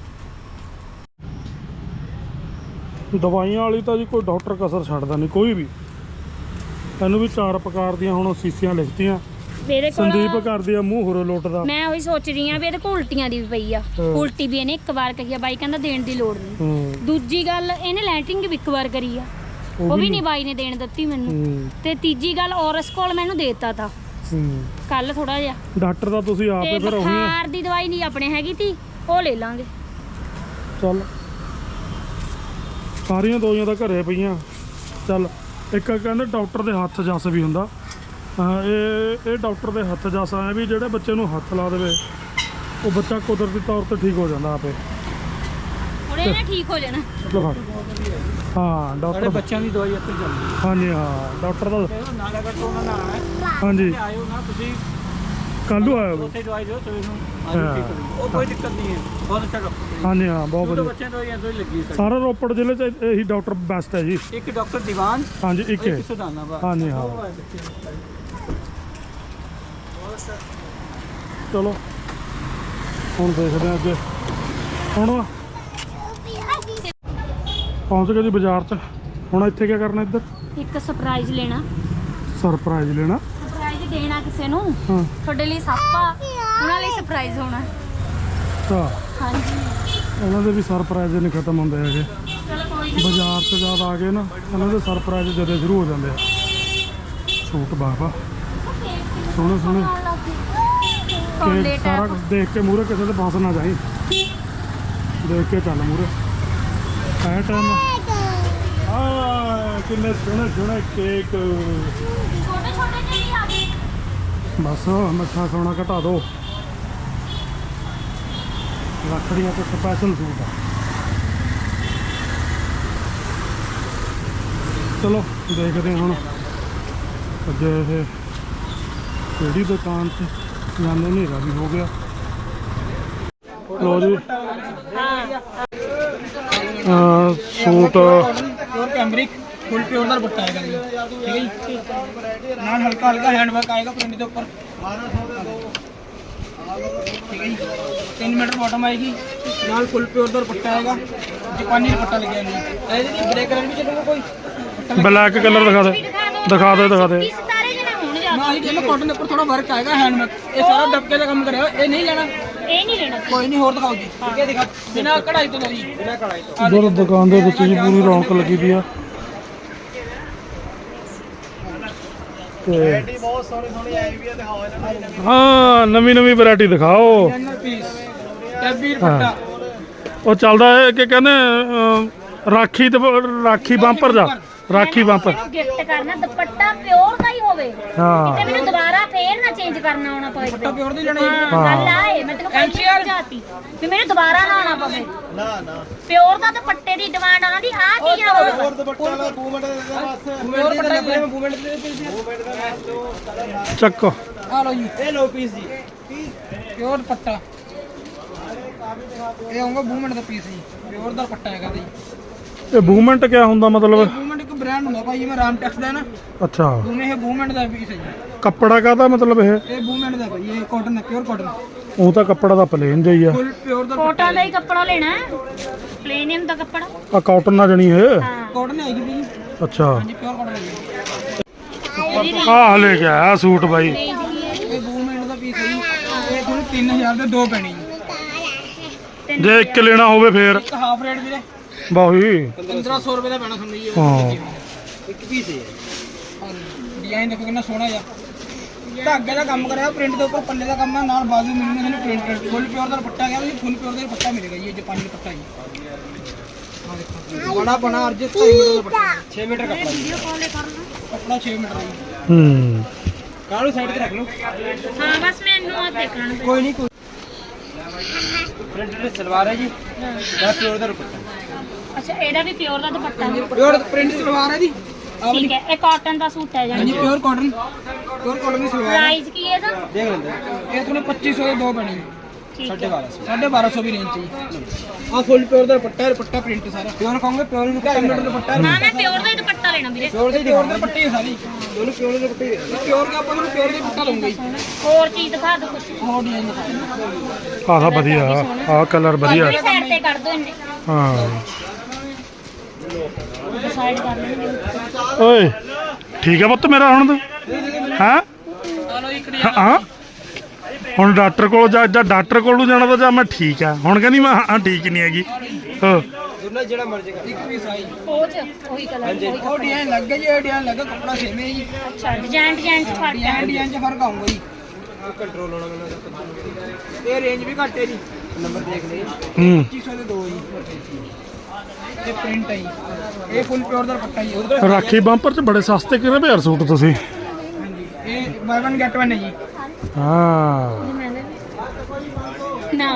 [SPEAKER 1] ਦਵਾਈਆਂ ਵਾਲੀ ਤਾਂ ਜੀ ਕੋਈ ਡਾਕਟਰ ਕਸਰ ਛੱਡਦਾ ਨਹੀਂ ਕੋਈ ਵੀ। ਇਹਨੂੰ ਵੀ ਚਾਰ ਪ੍ਰਕਾਰ ਦੀਆਂ ਹੁਣ ਸੀਸੀਆਂ ਲਿਖਤੀਆਂ।
[SPEAKER 2] ਮੇਰੇ ਕੋਲ
[SPEAKER 1] ਸੰਦੀਪ ਕਰਦੀ ਆ ਮੂੰਹ ਹੋਰੋ ਲੋਟਦਾ।
[SPEAKER 2] ਮੈਂ ਉਹੀ ਸੋਚ ਰਹੀ ਆ ਵੀ ਇਹਦੇ ਕੋਲ ਉਲਟੀਆਂ ਦੀ ਵੀ ਪਈ ਆ।
[SPEAKER 1] ਹਾਂ।
[SPEAKER 2] ਉਲਟੀ ਵੀ ਇਹਨੇ ਇੱਕ ਵਾਰ ਕਹੀ ਆ, ਬਾਈ ਕਹਿੰਦਾ ਦੇਣ ਦੀ ਲੋੜ ਨਹੀਂ।
[SPEAKER 1] ਹੂੰ
[SPEAKER 2] ਦੂਜੀ ਗੱਲ ਇਹਨੇ ਲੈਟਰਿੰਗ ਵੀ ਇੱਕ ਵਾਰ ਕਰੀ ਆ, ਉਹ ਵੀ ਨਹੀਂ ਬਾਈ ਨੇ ਦੇਣ ਦਿੱਤੀ ਮੈਨੂੰ।
[SPEAKER 1] ਹੂੰ
[SPEAKER 2] ਤੇ ਤੀਜੀ ਗੱਲ ਔਰਸ ਕੋਲ ਮੈਨੂੰ ਦੇਤਾ ਤਾ
[SPEAKER 1] ਹੂੰ
[SPEAKER 2] ਕੱਲ ਥੋੜਾ ਜਿਹਾ।
[SPEAKER 1] ਡਾਕਟਰ ਦਾ ਤੁਸੀਂ ਆਪੇ
[SPEAKER 2] ਤੇ
[SPEAKER 1] ਫਿਰ ਉਹੀ ਆ।
[SPEAKER 2] ਬੁਖਾਰ ਦੀ ਦਵਾਈ ਨਹੀਂ ਆਪਣੇ ਹੈਗੀ ਤੀ, ਉਹ ਲੈ ਲਾਂਗੇ।
[SPEAKER 1] ਚੱਲ ਸਾਰੀਆਂ ਦਵਾਈਆਂ ਤਾਂ ਘਰੇ ਪਈਆਂ। ਚੱਲ ਇੱਕ ਕਹਿੰਦੇ ਡਾਕਟਰ ਦੇ ਹੱਥ ਜਸ ਵੀ ਹੁੰਦਾ। ਹਾਂ, ਇਹ ਇਹ ਡਾਕਟਰ ਦੇ ਹੱਥ ਜਸ ਆਇਆ ਵੀ ਜਿਹੜੇ ਬੱਚੇ ਨੂੰ ਹੱਥ ਲਾ ਦੇਵੇ ਉਹ ਬੱਚਾ ਕੁਦਰਤੀ ਤੌਰ ਤੇ ਠੀਕ ਹੋ ਜਾਂਦਾ ਆਪੇ।
[SPEAKER 2] ਹੁਣ ਇਹਨੇ ਠੀਕ ਹੋ ਜਾਣਾ।
[SPEAKER 1] ਲਓ ਫੜ। ਹਾਂ ਡਾਕਟਰ
[SPEAKER 5] ਬੱਚਿਆਂ ਦੀ ਦਵਾਈ ਇੱਥੇ ਚੱਲਦੀ
[SPEAKER 1] ਹਾਂਜੀ ਹਾਂ ਡਾਕਟਰ ਦਾ
[SPEAKER 5] ਹੈ। ਨਾਲੇ ਅਗਰ ਤੋਂ ਨਾ ਆਣਾ
[SPEAKER 1] ਹਾਂਜੀ
[SPEAKER 5] ਆਇਓ ਨਾ ਤੁਸੀਂ
[SPEAKER 1] ਕੱਲ੍ਹ ਨੂੰ ਆਇਆ
[SPEAKER 5] ਉੱਥੇ ਦਵਾਈ ਦਿਓ ਸਵੇਰ ਨੂੰ
[SPEAKER 1] ਹਾਂ।
[SPEAKER 5] ਆਜੋ ਠੀਕ ਹੋ ਜਾਊ। ਉਹ ਕੋਈ ਦਿੱਕਤ ਨਹੀਂ ਹੈ, ਬਹੁਤ ਅੱਛਾ ਡਾਕਟਰ
[SPEAKER 1] ਹਾਂਜੀ ਹਾਂ ਬਹੁਤ
[SPEAKER 5] ਹੈ।
[SPEAKER 1] ਵਧੀਆ।
[SPEAKER 5] ਬੱਚਿਆਂ ਦੀ ਦਵਾਈ ਇੱਥੇ ਲੱਗੀ ਹੈ
[SPEAKER 1] ਸਾਰਾ ਰੋਪੜ ਜ਼ਿਲ੍ਹੇ 'ਚ ਇਹੀ ਡਾਕਟਰ ਬੈਸਟ ਹੈ ਜੀ।
[SPEAKER 5] ਇੱਕ ਡਾਕਟਰ ਦੀਵਾਨ
[SPEAKER 1] ਹਾਂਜੀ ਇੱਕ ਹੈ।
[SPEAKER 5] ਇੱਕ ਸੁਦਾਨਾ ਬਾ
[SPEAKER 1] ਹਾਂਜੀ ਹਾਂ ਚਲੋ ਹੁਣ ਦੇਖਦੇ ਹਾਂ ਅੱਗੇ। ਹੁਣ ਪਹੁੰਚ ਗਏ ਜੀ ਬਾਜ਼ਾਰ 'ਚ। ਹੁਣ ਇੱਥੇ ਕੀ ਕਰਨਾ? ਇੱਧਰ
[SPEAKER 2] ਇੱਕ ਸਰਪ੍ਰਾਈਜ਼ ਲੈਣਾ,
[SPEAKER 1] ਸਰਪ੍ਰਾਈਜ਼ ਲੈਣਾ।
[SPEAKER 2] ਸਰਪ੍ਰਾਈਜ਼ ਦੇਣਾ ਕਿਸੇ ਨੂੰ।
[SPEAKER 1] ਹਾਂ
[SPEAKER 2] ਤੁਹਾਡੇ ਲਈ ਸਾਪਾ, ਉਹਨਾਂ ਲਈ ਸਰਪ੍ਰਾਈਜ਼ ਹੋਣਾ।
[SPEAKER 1] ਅੱਛਾ
[SPEAKER 2] ਹਾਂਜੀ
[SPEAKER 1] ਇਹਨਾਂ ਦੇ ਵੀ ਸਰਪ੍ਰਾਈਜ਼ ਨਹੀਂ ਖਤਮ ਹੁੰਦੇ ਹੈਗੇ।
[SPEAKER 2] ਚਲੋ ਕੋਈ ਨਾ।
[SPEAKER 1] ਬਾਜ਼ਾਰ 'ਚ ਜਦ ਆ ਗਏ ਨਾ ਇਹਨਾਂ ਦੇ ਸਰਪ੍ਰਾਈਜ਼ ਜਦੇ ਸ਼ੁਰੂ ਹੋ ਜਾਂਦੇ ਆ। ਸੂਟ ਬਾਬਾ ਸੋਹਣੇ ਸੋਹਣੇ
[SPEAKER 2] ਕੋਲੇ
[SPEAKER 1] ਕੇਕ ਸਾਰਾ
[SPEAKER 2] ਟੈਪ।
[SPEAKER 1] ਕੁਛ ਦੇਖ ਕੇ ਮੂਹਰੇ ਕਿਸੇ ਦੇ ਫਸ ਨਾ ਜਾਈ। ਦੇਖ ਕੇ ਚੱਲ ਮੂਹਰੇ ਐ ਟਾਈਮ। ਆ ਕਿੰਨੇ ਸੋਹਣੇ ਸੋਹਣੇ ਕੇਕ।
[SPEAKER 2] ਛੋਟੇ ਛੋਟੇ ਜਿਹੇ ਆ ਗਏ।
[SPEAKER 1] ਬਸ ਮਿੱਠਾ ਸੋਨਾ ਘਟਾ ਦਿਓ। ਰੱਖੜੀਆਂ ਤੇ ਸਪੈਸ਼ਲ ਸੂਟ ਆ। ਚਲੋ ਦੇਖਦੇ ਹਾਂ ਹੁਣ ਅੱਗੇ ਇਹ ਕਿਹੜੀ ਦੁਕਾਨ ਤੇ ਜਾਂਦੇ। ਹਨੇਰਾ ਵੀ ਹੋ ਗਿਆ। ਲੋ ਜੀ ਅਹ suit
[SPEAKER 5] pure cambric full pure ਦਾ ਦੁਪੱਟਾ ਆਏਗਾ ਜੀ, ਠੀਕ ਹੈ ਜੀ। ਨਾਲ ਹਲਕਾ ਹਲਕਾ ਹੈਂਡ ਵਰਕ ਆਏਗਾ ਪ੍ਰਿੰਟ ਦੇ ਉੱਪਰ, ਠੀਕ ਹੈ ਜੀ। तीन मीटर बॉटम आएगी, ਨਾਲ फुल प्योर ਦਾ ਦੁਪੱਟਾ ਆਏਗਾ। ਜਾਪਾਨੀ ਦੁਪੱਟਾ ਲੱਗਿਆ ਜੀ। ਇਹਦੇ ਦੀ ਬ੍ਰੇਕ ਕਲਰ ਵੀ ਚੱਲੂਗਾ ਕੋਈ।
[SPEAKER 1] ਬਲੈਕ ਕਲਰ ਦਿਖਾ ਦੇ ਦਿਖਾ ਦੇ ਦਿਖਾ ਦੇ।
[SPEAKER 2] ਇਸ ਤਾਰੇ ਜਿਹੇ ਨਾ ਹੋਣ ਜਾ।
[SPEAKER 5] ਨਾ ਜੀ ਜਿਹਨੂੰ ਕਾਟਨ ਦੇ ਉੱਪਰ ਥੋੜਾ ਵਰਕ ਆਏਗਾ ਹੈਂਡ ਵਰਕ। ਇਹ ਸਾਰਾ ਡੱਬਕੇ ਦਾ ਕੰਮ ਕਰਿਆ ਹੋਇਆ, ਇਹ ਨਹੀਂ ਲੈਣਾ।
[SPEAKER 2] ਇਹ ਨਹੀਂ ਲੈਣਾ।
[SPEAKER 5] ਕੋਈ ਨਹੀਂ ਹੋਰ ਦਿਖਾਓ ਜੀ, ਠੀਕ ਹੈ ਦਿਖਾ। ਬਿਨਾ ਕਢਾਈ ਤੋਂ ਲਓ ਜੀ, ਬਿਨਾ ਕਢਾਈ ਤੋਂ।
[SPEAKER 1] ਇਧਰ ਦੁਕਾਨ ਦੇ ਵਿੱਚ ਜੀ ਪੂਰੀ ਰੌਣਕ ਲੱਗੀ ਪਈ ਆ। ਤੇ
[SPEAKER 5] ਬਹੁਤ ਸੋਹਣੀ ਸੋਹਣੀ ਆਈ ਵੀ ਦਿਖਾਓ ਇਹਨਾਂ ਨੂੰ।
[SPEAKER 1] ਹਾਂ ਨਵੀਂ ਨਵੀਂ ਵੈਰਾਈਟੀ ਦਿਖਾਓ।
[SPEAKER 5] ਡਿਜ਼ਾਈਨਰ ਪੀਸ ਟੈਬੀ ਦੁਪੱਟਾ।
[SPEAKER 1] ਉਹ ਚੱਲਦਾ ਹੈ ਕਿ ਕਹਿੰਦੇ ਅਮ, ਰਾਖੀ ਤੇ ਰਾਖੀ ਬੰਪਰ ਜਾ ਰਾਖੀ ਬੰਪਰ।
[SPEAKER 2] ਗਿਫਟ ਕਰਨਾ ਦੁਪੱਟਾ ਪਿਓਰ ਦਾ ਹੀ ਹੋਵੇ
[SPEAKER 1] ਹਾਂ
[SPEAKER 2] ਤੇ ਮੈਨੂੰ ਦੁਬਾਰਾ ਫੇਰ ਨਾ ਚੇਂਜ ਕਰਨਾ ਆਉਣਾ ਪਵੇ।
[SPEAKER 5] ਦੁਪੱਟਾ ਪਿਓਰ ਦੀ ਲੈਣਾ ਜੀ।
[SPEAKER 2] ਹਾਂ ਗੱਲ ਆਏ ਮੈਂ ਤੈਨੂੰ ਪਹਿਲਾਂ ਹੀ ਸਮਝਾਤੀ ਵੀ ਮੈਨੂੰ ਦੁਬਾਰਾ ਨਾ ਆਉਣਾ ਪਵੇ। ਨਾ ਨਾ ਪਿਓਰ ਦਾ ਦੁਪੱਟੇ ਦੀ ਡਿਮਾਂਡ ਉਹਨਾਂ ਦੀ ਆ ਕੀ ਆ ਹੋਰ
[SPEAKER 5] ਦੁਪੱਟਾ ਵਾਲਾ ਮੂਵਮੈਂਟ ਦੇ ਦੇ ਬਸ। ਪਿਓਰ ਦੁਪੱਟਾ ਦੇ ਮੂਵਮੈਂਟ ਦੇ ਪੀਸ।
[SPEAKER 1] ਚੱਕੋ
[SPEAKER 5] ਆ ਲਓ ਜੀ, ਇਹ ਲਓ ਪੀਸ ਜੀ। ਪਿਓਰ ਦੁਪੱਟਾ ਇਹ ਆਉਂਗਾ ਮੂਵਮੈਂਟ ਦਾ ਪੀਸ ਜੀ। ਪਿਓਰ ਦਾ ਦੁਪੱਟਾ ਹੈਗਾ ਜੀ।
[SPEAKER 1] ਇਹ ਮੂਵਮੈਂਟ ਕਿਆ ਹੁੰਦਾ ਮਤਲਬ?
[SPEAKER 5] ਮੂਵਮੈਂਟ ਇੱਕ ਬ੍ਰਾਂਡ ਹੁੰਦਾ ਭਾਈ, ਜਿਵੇਂ ਰਾਮ ਟੈਕਸ ਦਾ ਹੈ ਨਾ,
[SPEAKER 1] ਅੱਛਾ
[SPEAKER 5] ਉਵੇਂ ਇਹ ਮੂਵਮੈਂਟ ਦਾ ਪੀਸ ਹੈ ਜੀ।
[SPEAKER 1] ਕੱਪੜਾ ਕਾਹਦਾ ਮਤਲਬ ਇਹ?
[SPEAKER 5] ਇਹ ਮੂਵਮੈਂਟ ਦਾ ਭਾਈ, ਇਹ ਕਾਟਨ ਹੈ, ਪਿਓਰ ਕਾਟਨ।
[SPEAKER 1] ਉਹ ਤਾਂ ਕੱਪੜਾ ਦਾ ਪਲੇਨ ਜਿਹਾ ਹੀ ਆ।
[SPEAKER 5] ਫੁੱਲ ਪਿਓਰ ਦਾ
[SPEAKER 2] ਕੋਟਾ ਦਾ ਹੀ ਕੱਪੜਾ ਲੈਣਾ ਪਲੇਨਿਅਮ ਦਾ ਕੱਪੜਾ।
[SPEAKER 1] ਆ ਕਾਟਨ ਨਾ ਜਣੀ ਇਹ।
[SPEAKER 2] ਹਾਂ
[SPEAKER 5] ਕਾਟਨ ਹੈਗੀ ਜੀ।
[SPEAKER 1] ਅੱਛਾ
[SPEAKER 5] ਹਾਂਜੀ ਪਿਓਰ ਕਾਟਨ ਹੈ।
[SPEAKER 1] ਆਹ ਲੈ ਕੇ ਆਇਆ ਸੂਟ ਬਾਈ।
[SPEAKER 5] ਇਹ ਮੂਵਮੈਂਟ ਦਾ ਪੀਸ ਹੈ ਜੀ। ਇਹ ਤੁਹਾਨੂੰ ਤਿੰਨ ਹਜ਼ਾਰ ਦੇ ਦੋ ਪੈਣੇ ਜੀ।
[SPEAKER 1] ਜੇ ਇੱਕ ਲੈਣਾ ਹੋਵੇ ਫੇਰ
[SPEAKER 5] ਇੱਕ ਹਾਫ ਰੇਟ ਵੀਰੇ
[SPEAKER 1] ਬਾਹੀ
[SPEAKER 5] ਪੰਦਰਾਂ ਸੌ ਰੁਪਏ ਦਾ ਪੈਣਾ ਤੁਹਾਨੂੰ ਜੀ।
[SPEAKER 1] ਹਾਂ
[SPEAKER 5] ਇੱਕ ਪੀਸ ਹੈ। ਡਿਜ਼ਾਈਨ ਦੇਖੋ ਕਿੰਨਾ ਸੋਹਣਾ ਆ। ਧਾਗੇ ਦਾ ਕੰਮ ਕਰਿਆ, ਪ੍ਰਿੰਟ ਦੇ ਉੱਪਰ ਪੱਲੇ ਦਾ ਕੰਮ ਹੈ, ਨਾਲ ਬਾਜ਼ੂ ਮਿਲਣੇ ਤੁਹਾਨੂੰ ਪ੍ਰਿੰਟ। ਫੁੱਲ ਪਿਓਰ ਦਾ ਦੁਪੱਟਾ ਗਿਆ ਜੀ। ਫੁੱਲ ਪਿਓਰ ਦਾ ਦੁਪੱਟਾ ਮਿਲੇਗਾ ਜੀ। ਇਹ ਜਾਪਾਨੀ ਦੁਪੱਟਾ ਜੀ। ਆ ਦੇਖੋ ਬੜਾ ਬਣਾ ਅਰਜ ਢਾਈ ਮੀਟਰ ਦਾ ਦੁਪੱਟਾ, ਛੇ ਮੀਟਰ ਕੱਪੜਾ ਵੀਡੀਓ ਕਾਲ ਕਰ ਲਓ। ਕੱਪੜਾ ਛੇ ਮੀਟਰ ਦਾ ਜੀ।
[SPEAKER 1] ਹੂੰ
[SPEAKER 5] ਕਾਲੂ ਸਾਈਡ ਤੇ ਰੱਖ ਲਓ।
[SPEAKER 2] ਹਾਂ ਬਸ ਮੈਨੂੰ ਆ ਦੇਖਣਾ
[SPEAKER 5] ਕੋਈ ਨਹੀਂ ਕੋਈ। ਪ੍ਰਿੰਟ ਦੇ ਸਲਵਾਰ ਹੈ ਜੀ। ਦਾ ਪਿਓਰ ਦਾ ਦੁਪੱਟਾ।
[SPEAKER 2] ਅੱਛਾ ਇਹਦਾ ਵੀ ਪਿਓਰ ਦਾ ਦੁਪੱਟਾ ਹੈ।
[SPEAKER 5] ਪਿਓਰ ਪ੍ਰਿੰਟ ਸਲਵਾਰ ਹੈ ਜੀ।
[SPEAKER 2] ਠੀਕ ਹੈ ਇਹ ਕਾਟਨ ਦਾ ਸੂਟ ਹੈ
[SPEAKER 5] ਹਾਂਜੀ
[SPEAKER 2] ਜਾਨੀ
[SPEAKER 5] ਪਿਓਰ ਕਾਟਨ। ਪਿਓਰ ਕਾਟਨ ਦੀ ਸਲਵਾਰ ਹੈ।
[SPEAKER 2] ਪ੍ਰਾਈਸ ਕੀ ਹੈ ਇਹਦਾ?
[SPEAKER 5] ਦੇਖ ਲੈਂਦੇ ਇਹ ਤੁਹਾਨੂੰ ਪੱਚੀ ਸੌ ਦੇ ਦੋ ਬਣੇ ਜੀ।
[SPEAKER 2] ਠੀਕ
[SPEAKER 5] साढ़े
[SPEAKER 2] ਹੈ
[SPEAKER 5] बारह सौ साढ़े बारह सौ भी रेंज चाहिए आ फुल प्योर ਦਾ ਦੁਪੱਟਾ ਹੈ ਦੁਪੱਟਾ ਪ੍ਰਿੰਟ ਸਾਰਾ ਪਿਓਰ ਖਾਓਗੇ ਪਿਓਰ ਨੂੰ ਕਿੰਨਾ ਮੀਟਰ ਦੁਪੱਟਾ
[SPEAKER 2] ਨਾ ਮੈਂ ਪਿਓਰ ਦਾ ਹੀ ਦੁਪੱਟਾ ਲੈਣਾ ਵੀਰੇ
[SPEAKER 5] ਪਿਓਰ ਦੇ ਪਿਓਰ ਦੇ ਦੁਪੱਟੇ ਹੀ ਸਾਰੀ ਦੋਨੋਂ ਪਿਓਰ ਦੇ ਦੁਪੱਟੇ ਪਿਓਰ ਦਾ ਆਪਾਂ ਨੂੰ ਪਿਓਰ ਦੇ ਦੁਪੱਟਾ ਲਵਾਂਗੇ
[SPEAKER 2] ਹੋਰ ਚੀਜ਼ ਦਿਖਾ ਦਿਓ ਕੁਛ
[SPEAKER 5] ਹੋਰ ਡਿਜ਼ਾਈਨ ਦਿਖਾਓ
[SPEAKER 1] ਆਹ ਵਧੀਆ ਆਹ ਕਲਰ ਵਧੀਆ
[SPEAKER 2] ਸਾਈਡ ਤੇ ਕਰ ਦਿਓ ਇਹਨੇ
[SPEAKER 1] ਹਾਂ
[SPEAKER 2] ਸਾਈਡ ਕਰ ਲੈਣਗੇ
[SPEAKER 1] ਓਏ ਠੀਕ ਹੈ ਪੁੱਤ ਮੇਰਾ ਹੁਣ ਤੂੰ ਹਾਂ
[SPEAKER 5] ਚਲੋ ਇੱਕ
[SPEAKER 1] ਹਾਂ ਹੁਣ ਡਾਕਟਰ ਕੋਲ ਜਾ ਜਾਂ ਡਾਕਟਰ ਕੋਲ ਨੂੰ ਜਾਣਾ ਤਾਂ ਜਾਂ ਮੈਂ ਠੀਕ ਆ ਹੁਣ ਕਹਿੰਦੀ ਮੈਂ ਹਾਂ ਠੀਕ ਨਹੀਂ ਹੈਗੀ ਹਾਂ
[SPEAKER 5] ਦੋਨਾਂ ਜਿਹੜਾ ਮਰਜ਼ੀ ਕਰ ਇੱਕ ਪੀਸ ਆਈ
[SPEAKER 2] ਉਹ ਚ ਉਹੀ ਕਲਰ ਉਹੀ
[SPEAKER 5] ਉਹ ਡਿਜ਼ਾਈਨ ਲੱਗ ਗਿਆ ਜੀ ਇਹ ਡਿਜ਼ਾਈਨ ਲੱਗਾ ਕੱਪੜਾ ਸੇਮ ਹੈ ਜੀ
[SPEAKER 2] ਅੱਛਾ ਡਿਜ਼ਾਈਨ ਡਿਜ਼ਾਈਨ ਚ ਫਰਕ ਹੈ
[SPEAKER 5] ਡਿਜ਼ਾਈਨ ਡਿਜ਼ਾਈਨ ਚ ਫਰਕ ਆਊਗਾ ਜੀ ਕੰਟਰੋਲ ਹੋਣਾ ਮੈਨੂੰ ਇਹ ਰੇਂਜ ਵੀ ਘੱਟ ਹੈ ਜੀ ਨੰਬਰ ਦੇਖ ਲਈ
[SPEAKER 1] ਹੂੰ
[SPEAKER 5] ਪੱਚੀ ਸੌ ਦੇ ਦੋ ਜੀ ਇਹ ਪ੍ਰਿੰਟ ਹੈ ਜੀ ਇਹ ਫੁੱਲ ਪਿਓਰ ਦਾ ਦੁਪੱਟਾ ਜੀ
[SPEAKER 1] ਰਾਖੀ ਬੰਪਰ ਚ ਬੜੇ ਸਸਤੇ ਕਿਹੜੇ ਯਾਰ ਸੂਟ ਤੁਸੀਂ
[SPEAKER 5] ਹਾਂਜੀ ਇਹ ਬਾਈ ਵਨ ਗੈਟ ਵਨ ਹੈ ਜੀ
[SPEAKER 1] ਹਾਂ
[SPEAKER 2] ਨਾ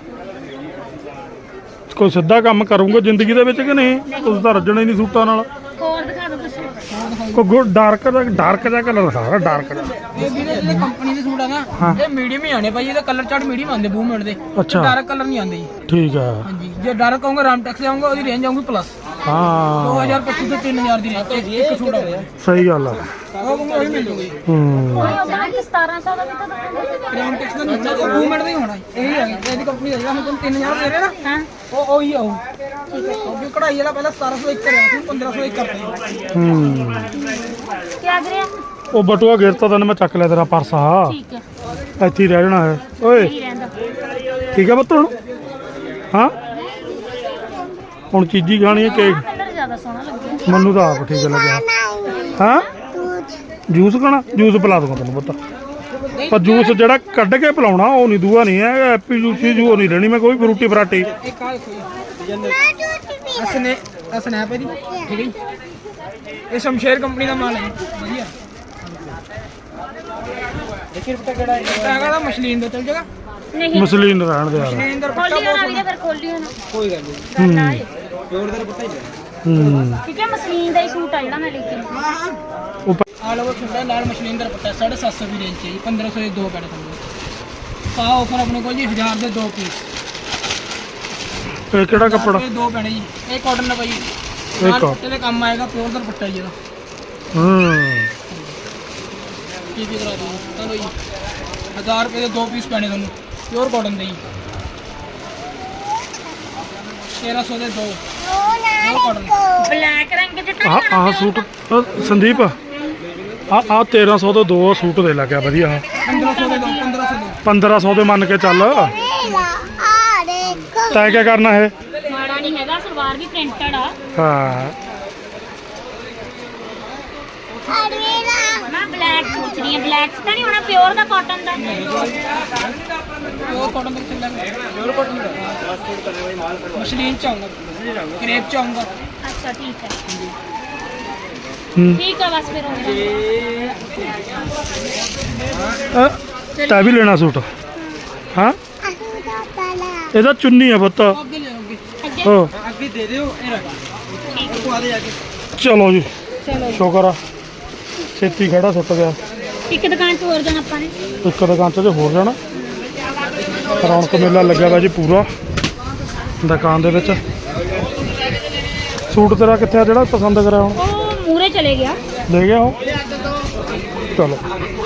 [SPEAKER 1] ਕੋਈ ਸਿੱਧਾ ਕੰਮ ਕਰੂੰਗਾ ਜ਼ਿੰਦਗੀ ਦੇ ਵਿੱਚ ਕਿ ਨਹੀਂ ਤੁਸੀਂ ਤਾਂ ਰੱਜਣਾ ਹੀ ਨਹੀਂ ਸੂਟਾਂ ਨਾਲ
[SPEAKER 2] ਹੋਰ ਦਿਖਾ ਦਿਓ ਕੁਛ
[SPEAKER 1] ਕੋਈ ਗੁੱਡ ਡਾਰਕ ਦਾ ਡਾਰਕ ਜਿਹਾ ਕਲਰ ਦਿਖਾ ਡਾਰਕ ਜਿਹਾ
[SPEAKER 5] ਇਹ ਵੀਰੇ ਜਿਹੜੇ ਕੰਪਨੀ ਦੇ ਸੂਟ ਆ ਨਾ ਇਹ ਮੀਡੀਅਮ ਹੀ ਆਣੇ ਭਾਈ ਇਹਦਾ ਕਲਰ ਚਾਰਟ ਮੀਡੀਅਮ ਆਉਂਦੇ ਬੂਮੈਂਟ ਦੇ
[SPEAKER 1] ਅੱਛਾ
[SPEAKER 5] ਡਾਰਕ ਕਲਰ ਨਹੀਂ ਆਉਂਦੇ ਜੀ
[SPEAKER 1] ਠੀਕ ਹੈ
[SPEAKER 5] ਹਾਂਜੀ ਜੇ ਡਾਰਕ ਆਉਂਗਾ ਰਾਮਟੈਕਸ ਦੇ ਆਉਂਗਾ ਉਹਦੀ ਰੇਂਜ ਆਉਂਗੀ ਪਲੱਸ
[SPEAKER 1] ਹਾਂ
[SPEAKER 5] ਦੋ ਹਜ਼ਾਰ ਪੱਚੀ ਤੋਂ ਤਿੰਨ ਹਜ਼ਾਰ ਦੀ ਰੇਂਜ ਇੱਕ ਸੂਟ ਆਉਂਦਾ
[SPEAKER 1] ਸਹੀ ਗੱਲ ਆ
[SPEAKER 5] ਉਹ ਕਹੂੰਗਾ ਉਹੀ ਮਿਲ ਜੂਗੀ
[SPEAKER 1] ਹੂੰ
[SPEAKER 2] ਸਤਾਰਾਂ ਸੌ ਦਾ ਵੀ ਤਾਂ ਦਿਖਾਉਂਦੇ
[SPEAKER 5] ਰਾਮਟੈਕਸ ਦਾ ਨਹੀਂ ਬੂਮੈਂਟ ਦਾ ਹੀ ਹੋਣਾ ਇਹੀ ਹੈ ਇਹਦੀ ਕੰਪਨੀ ਦਾ ਜਿਹੜਾ ਹੁਣ ਤੁਹਾਨੂੰ ਤਿੰਨ ਹਜ਼ਾਰ ਦੇ ਰਹੇ ਨਾ
[SPEAKER 2] ਹਾਂ
[SPEAKER 5] ਉਹ ਉਹੀ ਆਉ ਠੀਕ ਹੈ ਕਿਉਂਕਿ ਕਢਾਈ ਵਾਲਾ ਪਹਿਲਾਂ ਸਤਾਰਾਂ ਸੌ ਇੱਕ ਕਰਿਆ ਸੀ ਪੰਦਰਾਂ ਸੌ ਇੱਕ ਕਰਤਾ
[SPEAKER 1] ਹੂੰ
[SPEAKER 2] ਕੀ ਆ ਗਿਆ
[SPEAKER 1] ਉਹ ਬਟੂਆ ਗਿਰਤਾ ਤੈਨੂੰ ਮੈਂ ਚੱਕ ਲਿਆ ਤੇਰਾ ਪਰਸ ਆ
[SPEAKER 2] ਠੀਕ ਹੈ
[SPEAKER 1] ਇੱਥੇ ਹੀ ਰਹਿ ਜਾਣਾ ਹੈ ਓਏ
[SPEAKER 2] ਨਹੀਂ ਰਹਿੰਦਾ
[SPEAKER 1] ਠੀਕ ਹੈ ਪੁੱਤ ਹੁਣ ਹਾਂ ਹੁਣ ਚੀਜ਼ੀ ਖਾਣੀ ਹੈ ਕੇਕ
[SPEAKER 2] ਕਲਰ ਜ਼ਿਆਦਾ ਸੋਹਣਾ ਲੱਗਿਆ
[SPEAKER 1] ਮੈਨੂੰ ਤਾਂ ਆਪ ਠੀਕ ਲੱਗਿਆ ਹਾਂ ਜੂਸ ਖਾਣਾ ਜੂਸ ਪਿਲਾ ਦੂੰਗਾ ਤੈਨੂੰ ਪੁੱਤ ਪਰ ਜੂਸ ਜਿਹੜਾ ਕੱਢ ਕੇ ਪਿਲਾਉਣਾ ਉਹ ਨਹੀਂ ਦੂਆ ਨਹੀਂ ਹੈ ਐਪੀ ਜੂਸੀ ਜੂ ਨਹੀਂ ਲੈਣੀ ਮੈਂ ਕੋਈ ਫਰੂਟੀ ਫਰਾਟੀ
[SPEAKER 5] ਇੱਕ ਆ ਦੇਖੋ ਜੀ ਅਸਨੇ ਅਸਨੈਪ ਹੈ ਜੀ ਠੀਕ ਹੈ ਜੀ ਇਹ ਸ਼ਮਸ਼ੇਰ ਕੰਪਨੀ ਦਾ ਮਾਲ ਹੈ ਜੀ ਵਧੀਆ ਦੇਖੀ ਰੁਪਏ ਕਿਹੜਾ ਹੈਗਾ ਦਾ ਮਸ਼ਲੀਨ ਦਾ ਚੱਲ ਜਾਗਾ
[SPEAKER 2] ਨਹੀਂ
[SPEAKER 1] ਮਸਲੀਨ ਰਹਿਣ ਦੇ ਯਾਰ
[SPEAKER 5] ਮਸ਼ਲੀਨ ਦਾ ਦੁਪੱਟਾ
[SPEAKER 2] ਖੋਲੀ
[SPEAKER 5] ਬਹੁਤ
[SPEAKER 2] ਹੋਣਾ ਵੀਰੇ ਫਿਰ ਖੋਲੀ ਹੋਣਾ
[SPEAKER 5] ਕੋਈ ਗੱਲ ਨਹੀਂ
[SPEAKER 2] ਕਰਨਾ ਹੈ
[SPEAKER 5] ਪਿਓਰ ਦਾ ਦੁਪੱਟਾ ਹੀ ਹੈ
[SPEAKER 1] ਹੂੰ
[SPEAKER 2] ਠੀਕ ਹੈ ਮਸ਼ੀਨ ਦਾ ਹੀ ਸੂਟ ਆ ਜਿਹੜਾ ਮੈਂ ਲੈ ਕੇ ਆਈ।
[SPEAKER 5] ਹਾਂ ਹਾਂ
[SPEAKER 1] ਉੱਪਰ
[SPEAKER 5] ਆਲ ਓਵਰ ਛੋਟਾ ਨਾਲ ਮਸ਼ਲੀਨ ਦਾ ਦੁਪੱਟਾ ਸਾਢੇ ਸੱਤ ਸੌ ਦੀ ਰੇਂਜ ਹੈ ਜੀ ਪੰਦਰਾਂ ਸੌ ਦੇ ਦੋ ਪੈੜੇ ਤੁਹਾਨੂੰ ਸਾ ਆਫਰ ਆਪਣੇ ਕੋਲ ਜੀ ਹਜ਼ਾਰ ਦੇ ਦੋ ਪੀਸ
[SPEAKER 1] ਇਹ ਕਿਹੜਾ ਕੱਪੜਾ
[SPEAKER 5] ਦੋ ਪੈਣੇ ਜੀ ਇਹ ਕਾਟਨ ਦਾ ਭਾਈ
[SPEAKER 1] ਇਹ
[SPEAKER 5] ਨਾਲ
[SPEAKER 1] cotton।
[SPEAKER 5] ਦੁਪੱਟੇ ਦੇ ਕੰਮ ਆਏਗਾ ਪਿਓਰ ਦਾ ਦੁਪੱਟਾ ਜੀ ਇਹਦਾ
[SPEAKER 1] ਹੂੰ
[SPEAKER 5] ਕੀ ਕੀ ਕਰਾ ਦੂੰ ਚਲੋ ਜੀ ਹਜ਼ਾਰ ਰੁਪਏ ਦੇ ਦੋ ਪੀਸ ਪੈਣੇ ਤੁਹਾਨੂੰ ਪਿਓਰ ਕਾਟਨ ਦੇ ਜੀ ਤੇਰਾਂ ਸੌ ਦੇ ਦੋ ਪਿਓਰ ਕਾਟਨ
[SPEAKER 2] ਬਲੈਕ ਰੰਗ ਦੇ ਤਾਂ
[SPEAKER 1] ਆਹ ਆਹ ਸੂਟ ਅਹ ਸੰਦੀਪ ਆ ਆ ਤੇਰਾਂ ਸੌ ਦੇ ਦੋ ਸੂਟ ਦੇ ਲੱਗਿਆ ਵਧੀਆ
[SPEAKER 5] ਪੰਦਰਾਂ ਸੌ ਦੇ ਦੋ ਪੰਦਰਾਂ ਸੌ ਦੇ
[SPEAKER 1] ਪੰਦਰਾਂ ਸੌ ਦੇ ਮੰਨ ਕੇ ਚੱਲ
[SPEAKER 4] आ देखो
[SPEAKER 1] ਤੈਂ ਕੀ ਕਰਨਾ ਇਹ
[SPEAKER 2] ਮਾੜਾ ਨਹੀਂ ਹੈਗਾ ਸਲਵਾਰ ਵੀ ਪ੍ਰਿੰਟਡ ਆ
[SPEAKER 1] ਹਾਂ
[SPEAKER 4] अरेला
[SPEAKER 2] ਮੈਂ ਬਲੈਕ ਸੋਚ ਰਹੀ ਹਾਂ ਬਲੈਕ ਤਾਂ ਨਹੀਂ ਹੋਣਾ ਪਿਓਰ ਦਾ ਕਾਟਨ ਦਾ
[SPEAKER 5] ਪਿਓਰ ਕਾਟਨ ਦਾ ਚੱਲਾਂਗੇ ਪਿਓਰ ਕਾਟਨ ਦਾ ਮਸ਼ਲੀਨ ਚ ਆਉਂਗਾ ਕ੍ਰੇਪ ਚ ਆਉਂਗਾ
[SPEAKER 2] ਅੱਛਾ ਠੀਕ ਹੈ
[SPEAKER 1] ਹੂੰ
[SPEAKER 2] ਠੀਕ ਆ ਬਸ ਫਿਰ ਹੋ ਗਿਆ
[SPEAKER 1] ਅਹ, ਤੈਂ ਵੀ ਲੈਣਾ ਸੂਟ ਹਾਂ
[SPEAKER 4] अहुदा पाला
[SPEAKER 1] ਇਹਦਾ ਚੁੰਨੀ ਆ ਪੁੱਤ
[SPEAKER 5] ਅੱਗੇ ਲੈ ਆਓਗੇ
[SPEAKER 2] ਅੱਗੇ
[SPEAKER 1] ਹੋ
[SPEAKER 5] ਅੱਗੇ ਦੇ ਦਿਓ ਇਹ ਰੱਖ ਉਹ ਆ ਦੇ ਜਾ ਕੇ
[SPEAKER 1] ਚਲੋ ਜੀ
[SPEAKER 2] ਚਲੋ
[SPEAKER 1] ਸ਼ੁਕਰ ਆ ਛੇਤੀ ਖੜਾ ਸੁੱਟ ਗਿਆ
[SPEAKER 2] ਇੱਕ ਦੁਕਾਨ ਤੋਂ ਹੋਰ ਜਾਣਾ ਆਪਾਂ ਨੇ
[SPEAKER 1] ਇੱਕ ਦੁਕਾਨ 'ਚ ਜੇ ਹੋਰ ਜਾਣਾ ਰੌਣਕ ਮੇਲਾ ਲੱਗਿਆ ਵਾ ਜੀ ਪੂਰਾ ਦੁਕਾਨ ਦੇ ਵਿੱਚ ਸੂਟ ਤੇਰਾ ਕਿੱਥੇ ਆ ਜਿਹੜਾ ਪਸੰਦ ਕਰਿਆ ਹੁਣ
[SPEAKER 2] ਉਹ ਮੂਰੇ ਚਲੇ ਗਿਆ
[SPEAKER 1] ਲੈ ਗਿਆ ਉਹ ਚਲੋ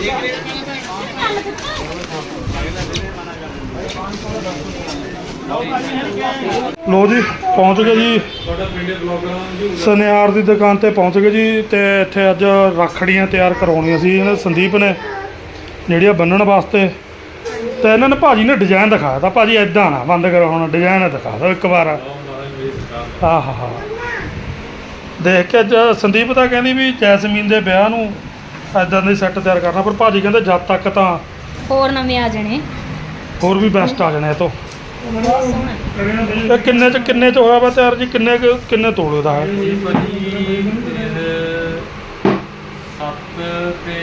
[SPEAKER 1] ਲੋ ਜੀ ਪਹੁੰਚ ਗਏ ਜੀ ਸੁਨਿਆਰ ਦੀ ਦੁਕਾਨ ਤੇ ਪਹੁੰਚ ਗਏ ਜੀ ਤੇ ਇੱਥੇ ਅੱਜ ਰੱਖੜੀਆਂ ਤਿਆਰ ਕਰਾਉਣੀਆਂ ਸੀ ਇਹਨੇ ਸੰਦੀਪ ਨੇ ਜਿਹੜੀਆਂ ਬੰਨਣ ਵਾਸਤੇ ਤੇ ਇਹਨਾਂ ਨੇ ਭਾਜੀ ਨੇ ਡਿਜ਼ਾਈਨ ਦਿਖਾਇਆ ਤਾਂ ਭਾਜੀ ਐਦਾਂ ਨਾ ਬੰਦ ਕਰੋ ਹੁਣ ਡਿਜ਼ਾਈਨ ਦਿਖਾ ਦਿਓ ਇੱਕ ਵਾਰ ਆਹ ਹਾ ਹਾ ਦੇਖ ਕੇ ਅੱਜ ਸੰਦੀਪ ਤਾਂ ਕਹਿੰਦੀ ਵੀ ਜੈਸਮੀਨ ਦੇ ਵਿਆਹ ਨੂੰ ਐਦਾਂ ਦੇ ਸੈੱਟ ਤਿਆਰ ਕਰਨਾ ਪਰ ਭਾਜੀ ਕਹਿੰਦੇ ਜਦ ਤੱਕ ਤਾਂ
[SPEAKER 2] ਹੋਰ ਨਵੇਂ ਆ ਜਾਣੇ
[SPEAKER 1] ਹੋਰ ਵੀ ਬੈਸਟ ਆ ਜਾਣੇ ਇਹ ਤੋਂ
[SPEAKER 2] ਬਹੁਤ ਸੋਹਣਾ
[SPEAKER 1] ਇਹ ਕਿੰਨੇ ਚ ਕਿੰਨੇ ਚ ਹੋਇਆ ਵਾ ਤਿਆਰ ਜੀ ਕਿੰਨੇ ਕੁ- ਕਿੰਨੇ ਤੋਲੇ ਦਾ ਹੈ
[SPEAKER 6] ਸੱਤ ਤੇ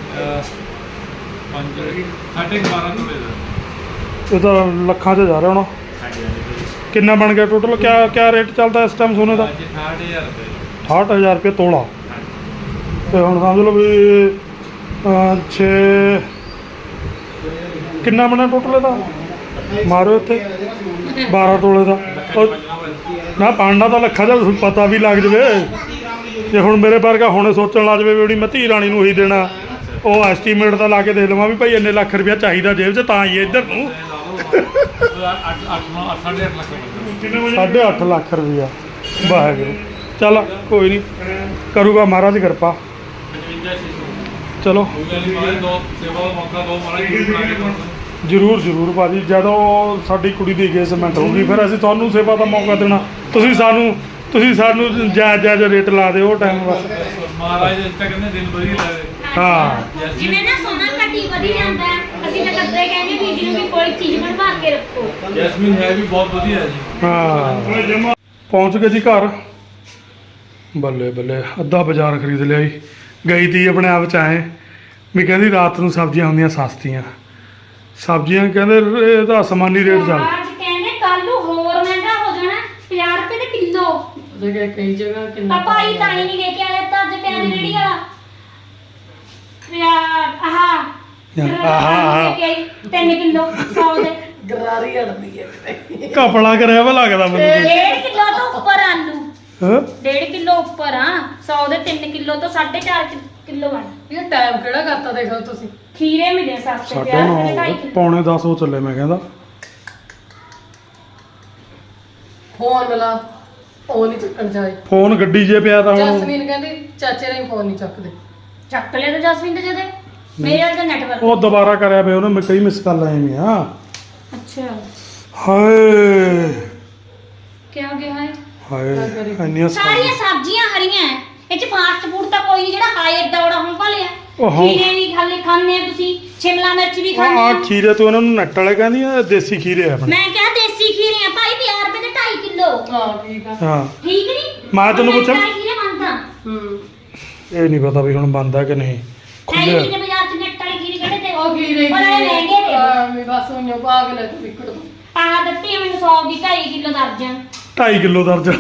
[SPEAKER 6] ਪੰਜ ਸਾਢੇ ਬਾਰਾਂ ਤੋਲੇ ਦਾ
[SPEAKER 1] ਇਹ ਤਾਂ ਲੱਖਾਂ 'ਚ ਜਾ ਰਿਹਾ ਹੁਣ
[SPEAKER 6] ਹਾਂਜੀ ਹਾਂਜੀ
[SPEAKER 1] ਕਿੰਨਾ ਬਣ ਗਿਆ ਟੋਟਲ ਕਿਆ ਕਿਆ ਰੇਟ ਚੱਲਦਾ ਇਸ ਟਾਈਮ ਸੋਨੇ ਦਾ
[SPEAKER 6] ਅੱਜ ਅਠਾਹਠ ਹਜ਼ਾਰ ਰੁਪਏ
[SPEAKER 1] ਅਠਾਹਠ ਹਜ਼ਾਰ ਰੁਪਏ ਤੋਲਾ ਤੇ ਹੁਣ ਸਮਝ ਲਓ ਵੀ ਛੇ ਕਿੰਨਾ ਬਣਿਆ ਟੋਟਲ ਇਹਦਾ ਮਾਰੋ ਇੱਥੇ ਬਾਰਾਂ ਤੋਲੇ ਦਾ ਉਹ ਨਾ ਪਾਣਾ ਤਾਂ ਲੱਖਾਂ ਦਾ ਪਤਾ ਵੀ ਲੱਗ ਜਵੇ ਜੇ ਹੁਣ ਮੇਰੇ ਵਰਗਾ ਹੁਣੇ ਸੋਚਣ ਲੱਗ ਜਵੇ ਵੀ ਉਹਦੀ ਮੈਂ ਧੀ ਰਾਣੀ ਨੂੰ ਹੀ ਦੇਣਾ ਉਹ ਐਸਟੀਮੇਟ ਤਾਂ ਲਾ ਕੇ ਦੇਖ ਲਵਾਂ ਵੀ ਭਾਈ ਇੰਨੇ ਲੱਖ ਰੁਪਇਆ ਚਾਹੀਦਾ ਜੇਬ 'ਚ ਤਾਂ ਹੀ ਇੱਧਰ ਨੂੰ ਸਾਢੇ ਅੱਠ ਲੱਖ ਰੁਪਇਆ ਵਾਹਿਗੁਰੂ ਚੱਲ ਕੋਈ ਨਹੀਂ ਕਰੂਗਾ ਮਹਾਰਾਜ ਕਿਰਪਾ ਚਲੋ ਜ਼ਰੂਰ ਜ਼ਰੂਰ ਭਾਜੀ ਜਦੋਂ ਸਾਡੀ ਕੁੜੀ ਦੀ ਇੰਗੇਜਮੈਂਟ ਹੋਊਗੀ ਫਿਰ ਅਸੀਂ ਤੁਹਾਨੂੰ ਸੇਵਾ ਦਾ ਮੌਕਾ ਦੇਣਾ ਤੁਸੀਂ ਸਾਨੂੰ ਤੁਸੀਂ ਸਾਨੂੰ ਜਾਇਜ਼ ਜਾਇਜ਼ ਰੇਟ ਲਾ ਦਿਓ ਉਹ ਟਾਈਮ ਬਸ
[SPEAKER 6] ਮਹਾਰਾਜ ਇਸ ਤੱਕ ਕਹਿੰਦੇ ਦਿਨ ਵਧੀਆ ਲੱਗਦੇ
[SPEAKER 1] ਹਾਂ
[SPEAKER 2] ਜਿਵੇਂ ਨਾ ਸੋਨਾ ਘਟੀ ਵਧੀ ਜਾਂਦਾ ਹੈ, ਅਸੀਂ ਤਾਂ ਕਦੇ ਕਹਿੰਦੇ ਵੀ ਜਿਹਨੂੰ ਵੀ ਕੋਈ ਚੀਜ਼ ਬਣਵਾ ਕੇ ਰੱਖੋ।
[SPEAKER 6] ਜੈਸਮੀਨ ਹੈ ਵੀ ਬਹੁਤ ਵਧੀਆ ਹੈ ਜੀ
[SPEAKER 1] ਹਾਂ ਪਹੁੰਚ ਗਏ ਜੀ ਘਰ ਬੱਲੇ ਬੱਲੇ ਅੱਧਾ ਬਾਜ਼ਾਰ ਖਰੀਦ ਲਿਆ ਜੀ ਗਈ ਤੀ ਆਪਣੇ ਆਪ ਚ ਆਏ ਵੀ ਕਹਿੰਦੀ ਰਾਤ ਨੂੰ ਸਬਜ਼ੀਆਂ ਹੁੰਦੀਆਂ ਸਸਤੀਆਂ ਸਬਜ਼ੀਆਂ ਕਹਿੰਦੇ ਇਹਦਾ ਅਸਮਾਨੀ ਰੇਟ ਚੱਲ
[SPEAKER 2] ਅੱਜ ਕਹਿੰਦੇ ਕੱਲ ਨੂੰ ਹੋਰ ਮਹਿੰਗਾ ਹੋ ਜਾਣਾ ਪੰਜਾਹ ਰੁਪਏ ਦੇ ਕਿਲੋ।
[SPEAKER 3] ਜਗ੍ਹਾ ਕਈ ਜਗ੍ਹਾ ਕਿੰਨਾ
[SPEAKER 2] ਪਾਪਾ ਹੀ ਤਾਂ ਹੀ ਨਹੀਂ ਲੈ ਕੇ ਆਇਆ ਤਾਂ ਅੱਜ ਪਿਆਜ਼ ਰੇੜੀ ਵਾਲਾ ਪਿਆਜ਼ ਆਹ
[SPEAKER 1] ਆਹ, ਆਹ।
[SPEAKER 2] ਤਿੰਨ ਕਿਲੋ ਸੌ ਦੇ
[SPEAKER 3] ਗਰਾਰੀ ਅੜਦੀ ਹੈ ਕਿਤੇ
[SPEAKER 1] ਕਪੜਾ ਕਰਿਆ ਵਾ ਲੱਗਦਾ ਮੈਨੂੰ
[SPEAKER 2] ਡੇਢ ਕਿਲੋ ਤੋਂ ਉੱਪਰ ਆਲੂ
[SPEAKER 1] ਹਾਂ
[SPEAKER 2] ਡੇਢ ਕਿਲੋ ਉੱਪਰ ਆ ਸੌ ਦੇ ਤਿੰਨ ਕਿਲੋ ਤੋਂ ਸਾਢੇ ਚਾਰ ਕਿਲੋ ਬਣ
[SPEAKER 3] ਇਹ ਟਾਈਮ ਕਿਹੜਾ ਕਰਤਾ ਦੇਖੋ ਤੁਸੀਂ
[SPEAKER 2] ਖੀਰੇ ਮਿਲੇ ਸਸਤੇ
[SPEAKER 1] ਸਾਢੇ
[SPEAKER 2] ਪਿਆਜ਼
[SPEAKER 1] ਨੌ
[SPEAKER 2] ਦੇ
[SPEAKER 1] ਹੋ
[SPEAKER 2] ਢਾਈ
[SPEAKER 1] ਗਏ,
[SPEAKER 2] ਕਿਲੋ
[SPEAKER 1] ਪੌਣੇ ਦਸ ਹੋ ਚੱਲੇ ਮੈਂ ਕਹਿੰਦਾ
[SPEAKER 3] ਫੋਨ ਮਿਲਾ ਫੋਨ ਨਹੀਂ ਚੱਕਣ ਚਾਹੀ
[SPEAKER 1] ਫੋਨ ਗੱਡੀ 'ਚ ਪਿਆ ਤਾਂ ਹੁਣ
[SPEAKER 3] ਜਸਮੀਨ ਕਹਿੰਦੀ ਚਾਚੇ ਨੇ ਫੋਨ ਨਹੀਂ ਚੱਕਦੇ
[SPEAKER 2] ਚੱਕ ਲਿਆ ਤਾਂ ਜਸਵਿੰਦਰ ਜਦੇ ਮੇਰੇ ਵਾਲਾ ਤਾਂ ਨੈਟਵਰਕ
[SPEAKER 1] ਉਹ ਦੁਬਾਰਾ ਕਰਿਆ ਪਿਆ ਉਹਨੇ ਮੈਂ ਕਈ ਮਿਸ ਕਾਲ ਆਏ ਨੇ ਆ
[SPEAKER 2] ਅੱਛਾ
[SPEAKER 1] ਹਾਏ
[SPEAKER 2] ਕੀ ਹੋ ਗਿਆ ਹੈ
[SPEAKER 1] ਹਾਏ ਇੰਨੀਆਂ
[SPEAKER 2] ਸਾਰੀਆਂ ਸਬਜ਼ੀਆਂ ਹਰੀਆਂ ਹੈ। ਇਹ ਚ ਫਾਸਟ ਫੂਡ ਤਾਂ ਕੋਈ ਨਹੀਂ ਜਿਹੜਾ ਹਾਏ ਏਡਾ ਬੜਾ ਹੁਣ ਭਾਲਿਆ
[SPEAKER 1] ਓਹੋ।
[SPEAKER 2] ਖੀਰੇ ਵੀ ਖਾਲੇ ਖਾਂਦੇ ਆ ਤੁਸੀਂ ਸ਼ਿਮਲਾ ਮਿਰਚ ਵੀ ਖਾਂਦੇ
[SPEAKER 1] ਆ
[SPEAKER 2] ਆ
[SPEAKER 1] ਖੀਰੇ ਤੋਂ ਇਹਨਾਂ ਨੂੰ ਨੱਟ ਵਾਲੇ ਕਹਿੰਦੀਆਂ ਦੇਸੀ ਖੀਰੇ ਆ ਆਪਣੇ
[SPEAKER 2] ਮੈਂ ਕਿਹਾ ਦੇਸੀ ਖੀਰੇ ਆ ਭਾਈ ਪੰਜਾਹ ਰੁਪਏ ਦੇ ਢਾਈ ਕਿਲੋ
[SPEAKER 3] ਹਾਂ ਠੀਕ ਆ
[SPEAKER 1] ਹਾਂ
[SPEAKER 2] ਠੀਕ ਨਹੀਂ
[SPEAKER 1] ਮੈਂ ਤੈਨੂੰ ਪੁੱਛਾਂ?
[SPEAKER 2] ਢਾਈ ਖੀਰੇ ਮੰਗਦਾ
[SPEAKER 3] ਹੂੰ
[SPEAKER 1] ਇਹ ਨਹੀਂ ਪਤਾ ਵੀ ਹੁਣ ਬੰਦਾ ਕਿ ਨਹੀਂ
[SPEAKER 2] ਐਂ
[SPEAKER 1] ਖੁੱਲੇ
[SPEAKER 2] ਖੀਰੇ ਬਾਜ਼ਾਰ ਚ ਨੱਟ ਵਾਲੇ ਖੀਰੇ ਕਿਹੜੇ ਤੇ
[SPEAKER 3] ਉਹ ਕੀ ਰਹੀ
[SPEAKER 2] ਪਰ ਇਹ ਮਹਿੰਗੇ ਨੇ
[SPEAKER 3] ਆ ਮੈਂ ਬਸ ਉਹਨੂੰ ਭਾਗ ਲੈ ਤੂੰ ਵਿਕੜ
[SPEAKER 2] ਆਹ ਦਿੱਤੀ ਆ ਮੈਨੂੰ ਸੌ ਦੀ ਢਾਈ ਕਿਲੋ ਦਰਜਨ
[SPEAKER 1] ਢਾਈ ਕਿਲੋ ਦਰਜਨ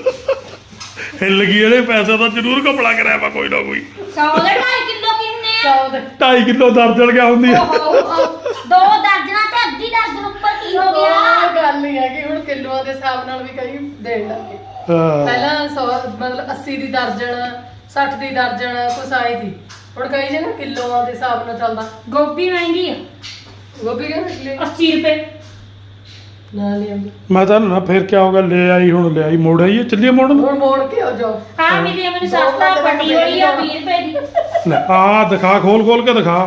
[SPEAKER 1] ਹਿੱਲ ਗਈ ਇਹਦੇ ਪੈਸੇ ਤਾਂ ਜ਼ਰੂਰ ਕਪੜਾ ਕਰਿਆ ਵਾ ਕੋਈ ਨਾ ਕੋਈ
[SPEAKER 2] ਸੌ ਦੇ ਢਾਈ ਕਿਲੋ ਕਿੰਨੇ ਆ
[SPEAKER 3] ਸੌ ਦੇ
[SPEAKER 1] ਢਾਈ ਕਿਲੋ ਦਰਜਨ ਗਿਆ ਹੁੰਦੀ ਆ
[SPEAKER 2] ਓਹੋ, ਦੋ ਦਰਜਨਾਂ ਤੇ ਅੱਧੀ ਦਰਜਨ ਉੱਪਰ ਕੀ ਹੋ ਗਿਆ
[SPEAKER 3] ਉਹ ਗੱਲ ਨਹੀਂ ਹੈ ਕਿ ਹੁਣ ਕਿਲੋਆਂ ਦੇ ਹਿਸਾਬ ਨਾਲ ਵੀ ਕਈ ਦੇਣ ਲੱਗੇ
[SPEAKER 1] ਹਾਂ।
[SPEAKER 3] ਪਹਿਲਾਂ ਸੌ ਮਤਲਬ ਅੱਸੀ ਦੀ ਦਰਜਨ ਸੱਠ ਦੀ ਦਰਜਨ ਕੁਛ ਆਈ ਦੀ ਹੁਣ ਕਈ ਜਗ੍ਹਾ ਕਿਲੋਆਂ ਦੇ ਹਿਸਾਬ ਨਾਲ ਚੱਲਦਾ
[SPEAKER 2] ਗੋਭੀ ਮਹਿੰਗੀ ਆ
[SPEAKER 3] ਗੋਭੀ ਕਹਿੰਦੇ
[SPEAKER 2] ਅੱਸੀ ਰੁਪਏ
[SPEAKER 3] ਨਾ ਨਹੀਂ ਆਉਂਦੀ
[SPEAKER 1] ਮੈਂ ਤਾਂ ਨਾ ਫਿਰ ਕਿਆ ਹੋ ਗਿਆ ਲੈ ਆਈ ਹੁਣ ਲੈ ਆਈ ਮੋੜ ਆਈ ਚੱਲੀਏ ਮੋੜ ਨੂੰ
[SPEAKER 3] ਹੁਣ ਮੋੜ ਕੇ ਆ ਜਾਓ
[SPEAKER 2] ਆ ਵੀ ਦੇ ਮੈਨੂੰ ਸਸਤਾ ਪੱਟੀ ਹੋਈ ਆ ਵੀਹ ਰੁਪਏ ਦੀ
[SPEAKER 1] ਲੈ ਆ ਦਿਖਾ ਖੋਲ ਖੋਲ ਕੇ ਦਿਖਾ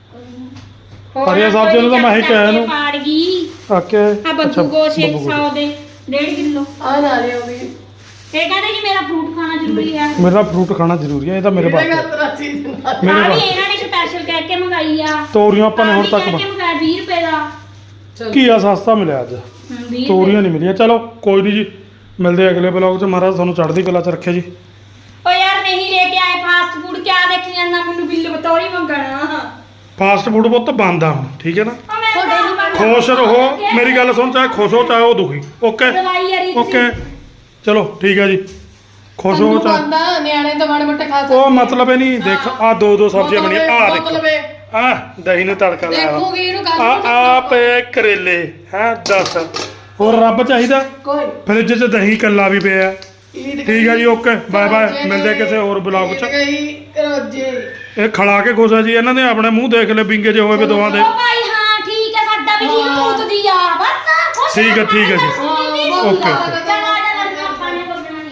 [SPEAKER 2] ਹੋਰ
[SPEAKER 1] ਹਰੀਆਂ ਸਬਜ਼ੀਆਂ ਨੂੰ ਤਾਂ ਮੈਂ ਹੀ
[SPEAKER 2] ਚੱਕ
[SPEAKER 1] ਕਿਹਾ
[SPEAKER 2] ਕੇ
[SPEAKER 1] ਇਹਨੂੰ।
[SPEAKER 2] ਪਾੜ ਗਈ
[SPEAKER 1] ਓਕੇ
[SPEAKER 2] ਆ ਬੱਬੂ ਗੋਸ਼ੇ ਸੌ ਦੇ ਡੇਢ ਕਿਲੋ
[SPEAKER 3] ਆ ਨਾ ਨਹੀਂ ਆਉਂਦੀ
[SPEAKER 2] ਇਹ ਕਹਿੰਦੇ ਜੀ ਮੇਰਾ ਫਰੂਟ ਖਾਣਾ ਜ਼ਰੂਰੀ ਹੈ
[SPEAKER 1] ਮੇਰਾ ਫਰੂਟ ਖਾਣਾ ਜ਼ਰੂਰੀ ਹੈ ਇਹ ਤਾਂ ਮੇਰੇ
[SPEAKER 3] ਮੇਰੇ
[SPEAKER 1] ਬਾਤ
[SPEAKER 3] ਘਰ ਤਰਾ ਚੀਜ਼ ਨਾ
[SPEAKER 1] ਮੇਰੇ
[SPEAKER 2] ਆ ਵੀ
[SPEAKER 1] ਬਾਤ
[SPEAKER 2] ਇਹਨਾਂ ਨੇ ਸਪੈਸ਼ਲ ਕਹਿ ਕੇ ਮੰਗਾਈ ਆ
[SPEAKER 1] ਤੋਰੀਆਂ ਆਪਾਂ ਨੇ
[SPEAKER 2] ਆਹ
[SPEAKER 1] ਹੁਣ
[SPEAKER 2] ਵੀ
[SPEAKER 1] ਤੱਕ
[SPEAKER 2] ਕਹਿ ਕੇ ਮੰਗਾਇਆ ਵੀਹ ਰੁਪਏ ਦਾ
[SPEAKER 3] ਚਲੋ
[SPEAKER 1] ਘੀਆ ਸਸਤਾ ਮਿਲਿਆ ਅੱਜ
[SPEAKER 2] ਹਮ, ਵੀਹ
[SPEAKER 1] ਤੋਰੀਆਂ ਨਹੀਂ ਮਿਲੀਆਂ ਚਲੋ ਕੋਈ ਨਹੀਂ ਜੀ ਮਿਲਦੇ ਆ ਅਗਲੇ ਬਲੌਗ 'ਚ ਮਹਾਰਾਜ ਤੁਹਾਨੂੰ ਚੜ੍ਹਦੀ ਕਲਾ 'ਚ ਰੱਖਿਆ ਜੀ
[SPEAKER 2] ਓ ਯਾਰ ਨਹੀਂ ਲੈ ਕੇ ਆਏ ਫਾਸਟ ਫੂਡ ਕਿਆ ਦੇਖੀ ਜਾਂਦਾ ਮੈਨੂੰ ਬਿੱਲ ਬਤੌਰੀ ਮੰਗਣਾ
[SPEAKER 1] ਫਾਸਟ ਫੂਡ ਬਹੁਤ ਬੰਦ ਆ ਹੁਣ ਠੀਕ ਹੈ ਨਾ
[SPEAKER 2] ਓ ਮੈਂ ਤਾਂ
[SPEAKER 1] ਖੁਸ਼ ਰਹੋ ਮੇਰੀ ਗੱਲ ਸੁਣ ਚਾਹੇ ਖੁਸ਼ ਹੋ ਚਾਹੇ ਉਹ ਦੁਖੀ ਓਕੇ
[SPEAKER 2] ਦਵਾਈ ਯਾਰੀ
[SPEAKER 1] ਓਕੇ ਚਲੋ ਠੀਕ ਹੈ ਜੀ ਖੁਸ਼ ਹੋ
[SPEAKER 3] ਤੈਨੂੰ
[SPEAKER 1] ਚਾਹੇ
[SPEAKER 3] ਬੰਦਾ ਨਿਆਣੇ ਤਾਂ ਮਾੜੇ ਮੋਟੇ ਖਾ
[SPEAKER 1] ਉਹ ਮਤਲਬ ਇਹ ਨਹੀਂ ਦੇਖ ਆ ਦੋ ਦੋ ਸਬਜ਼ੀਆਂ ਬਣੀਆਂ ਆ ਦੇਖੋ
[SPEAKER 3] ਮਤਲਬ ਇਹ
[SPEAKER 1] ਆ ਦਹੀਂ ਨੂੰ ਤੜਕਾ ਲਾਇਆ
[SPEAKER 3] ਦੇਖੋਗੇ ਇਹਨੂੰ ਕੱਲ
[SPEAKER 1] ਆ ਆ ਪਏ ਕਰੇਲੇ ਹੈ ਦੱਸ ਹੋਰ ਰੱਬ ਚਾਹੀਦਾ
[SPEAKER 3] ਕੋਈ
[SPEAKER 1] ਫ੍ਰਿਜ 'ਚ ਦਹੀਂ ਕੱਲਾ ਵੀ ਪਿਆ
[SPEAKER 3] ਈਦ
[SPEAKER 1] ਠੀਕ ਹੈ ਜੀ ਓਕੇ ਬਾਏ ਬਾਏ ਮਿਲਦੇ ਕਿਸੇ ਹੋਰ ਬਲੌਗ 'ਚ
[SPEAKER 3] ਗਈ ਕਰੋਜੇ
[SPEAKER 1] ਇਹ ਖੜਾ ਕੇ ਖੁਸ਼ ਆ ਜੀ ਇਹਨਾਂ ਨੇ ਆਪਣੇ ਮੂੰਹ ਦੇਖ ਲੈ ਬਿੰਗੇ ਜੇ ਹੋਏ ਵੇ ਦੋਵਾਂ ਦੇ
[SPEAKER 2] ਓ ਭਾਈ ਹਾਂ ਠੀਕ ਹੈ ਸਾਡਾ ਵੀ ਜੀ
[SPEAKER 3] ਹਾਂ।
[SPEAKER 2] ਭੂਤ ਦੀ ਆ ਬਸ ਖੁਸ਼
[SPEAKER 1] ਠੀਕ ਹੈ, ਠੀਕ ਹੈ ਜੀ।
[SPEAKER 2] ਹਾਂ,
[SPEAKER 3] ਹਾਂ
[SPEAKER 1] ਓਕੇ, ਓਕੇ।
[SPEAKER 2] ਚਲੋ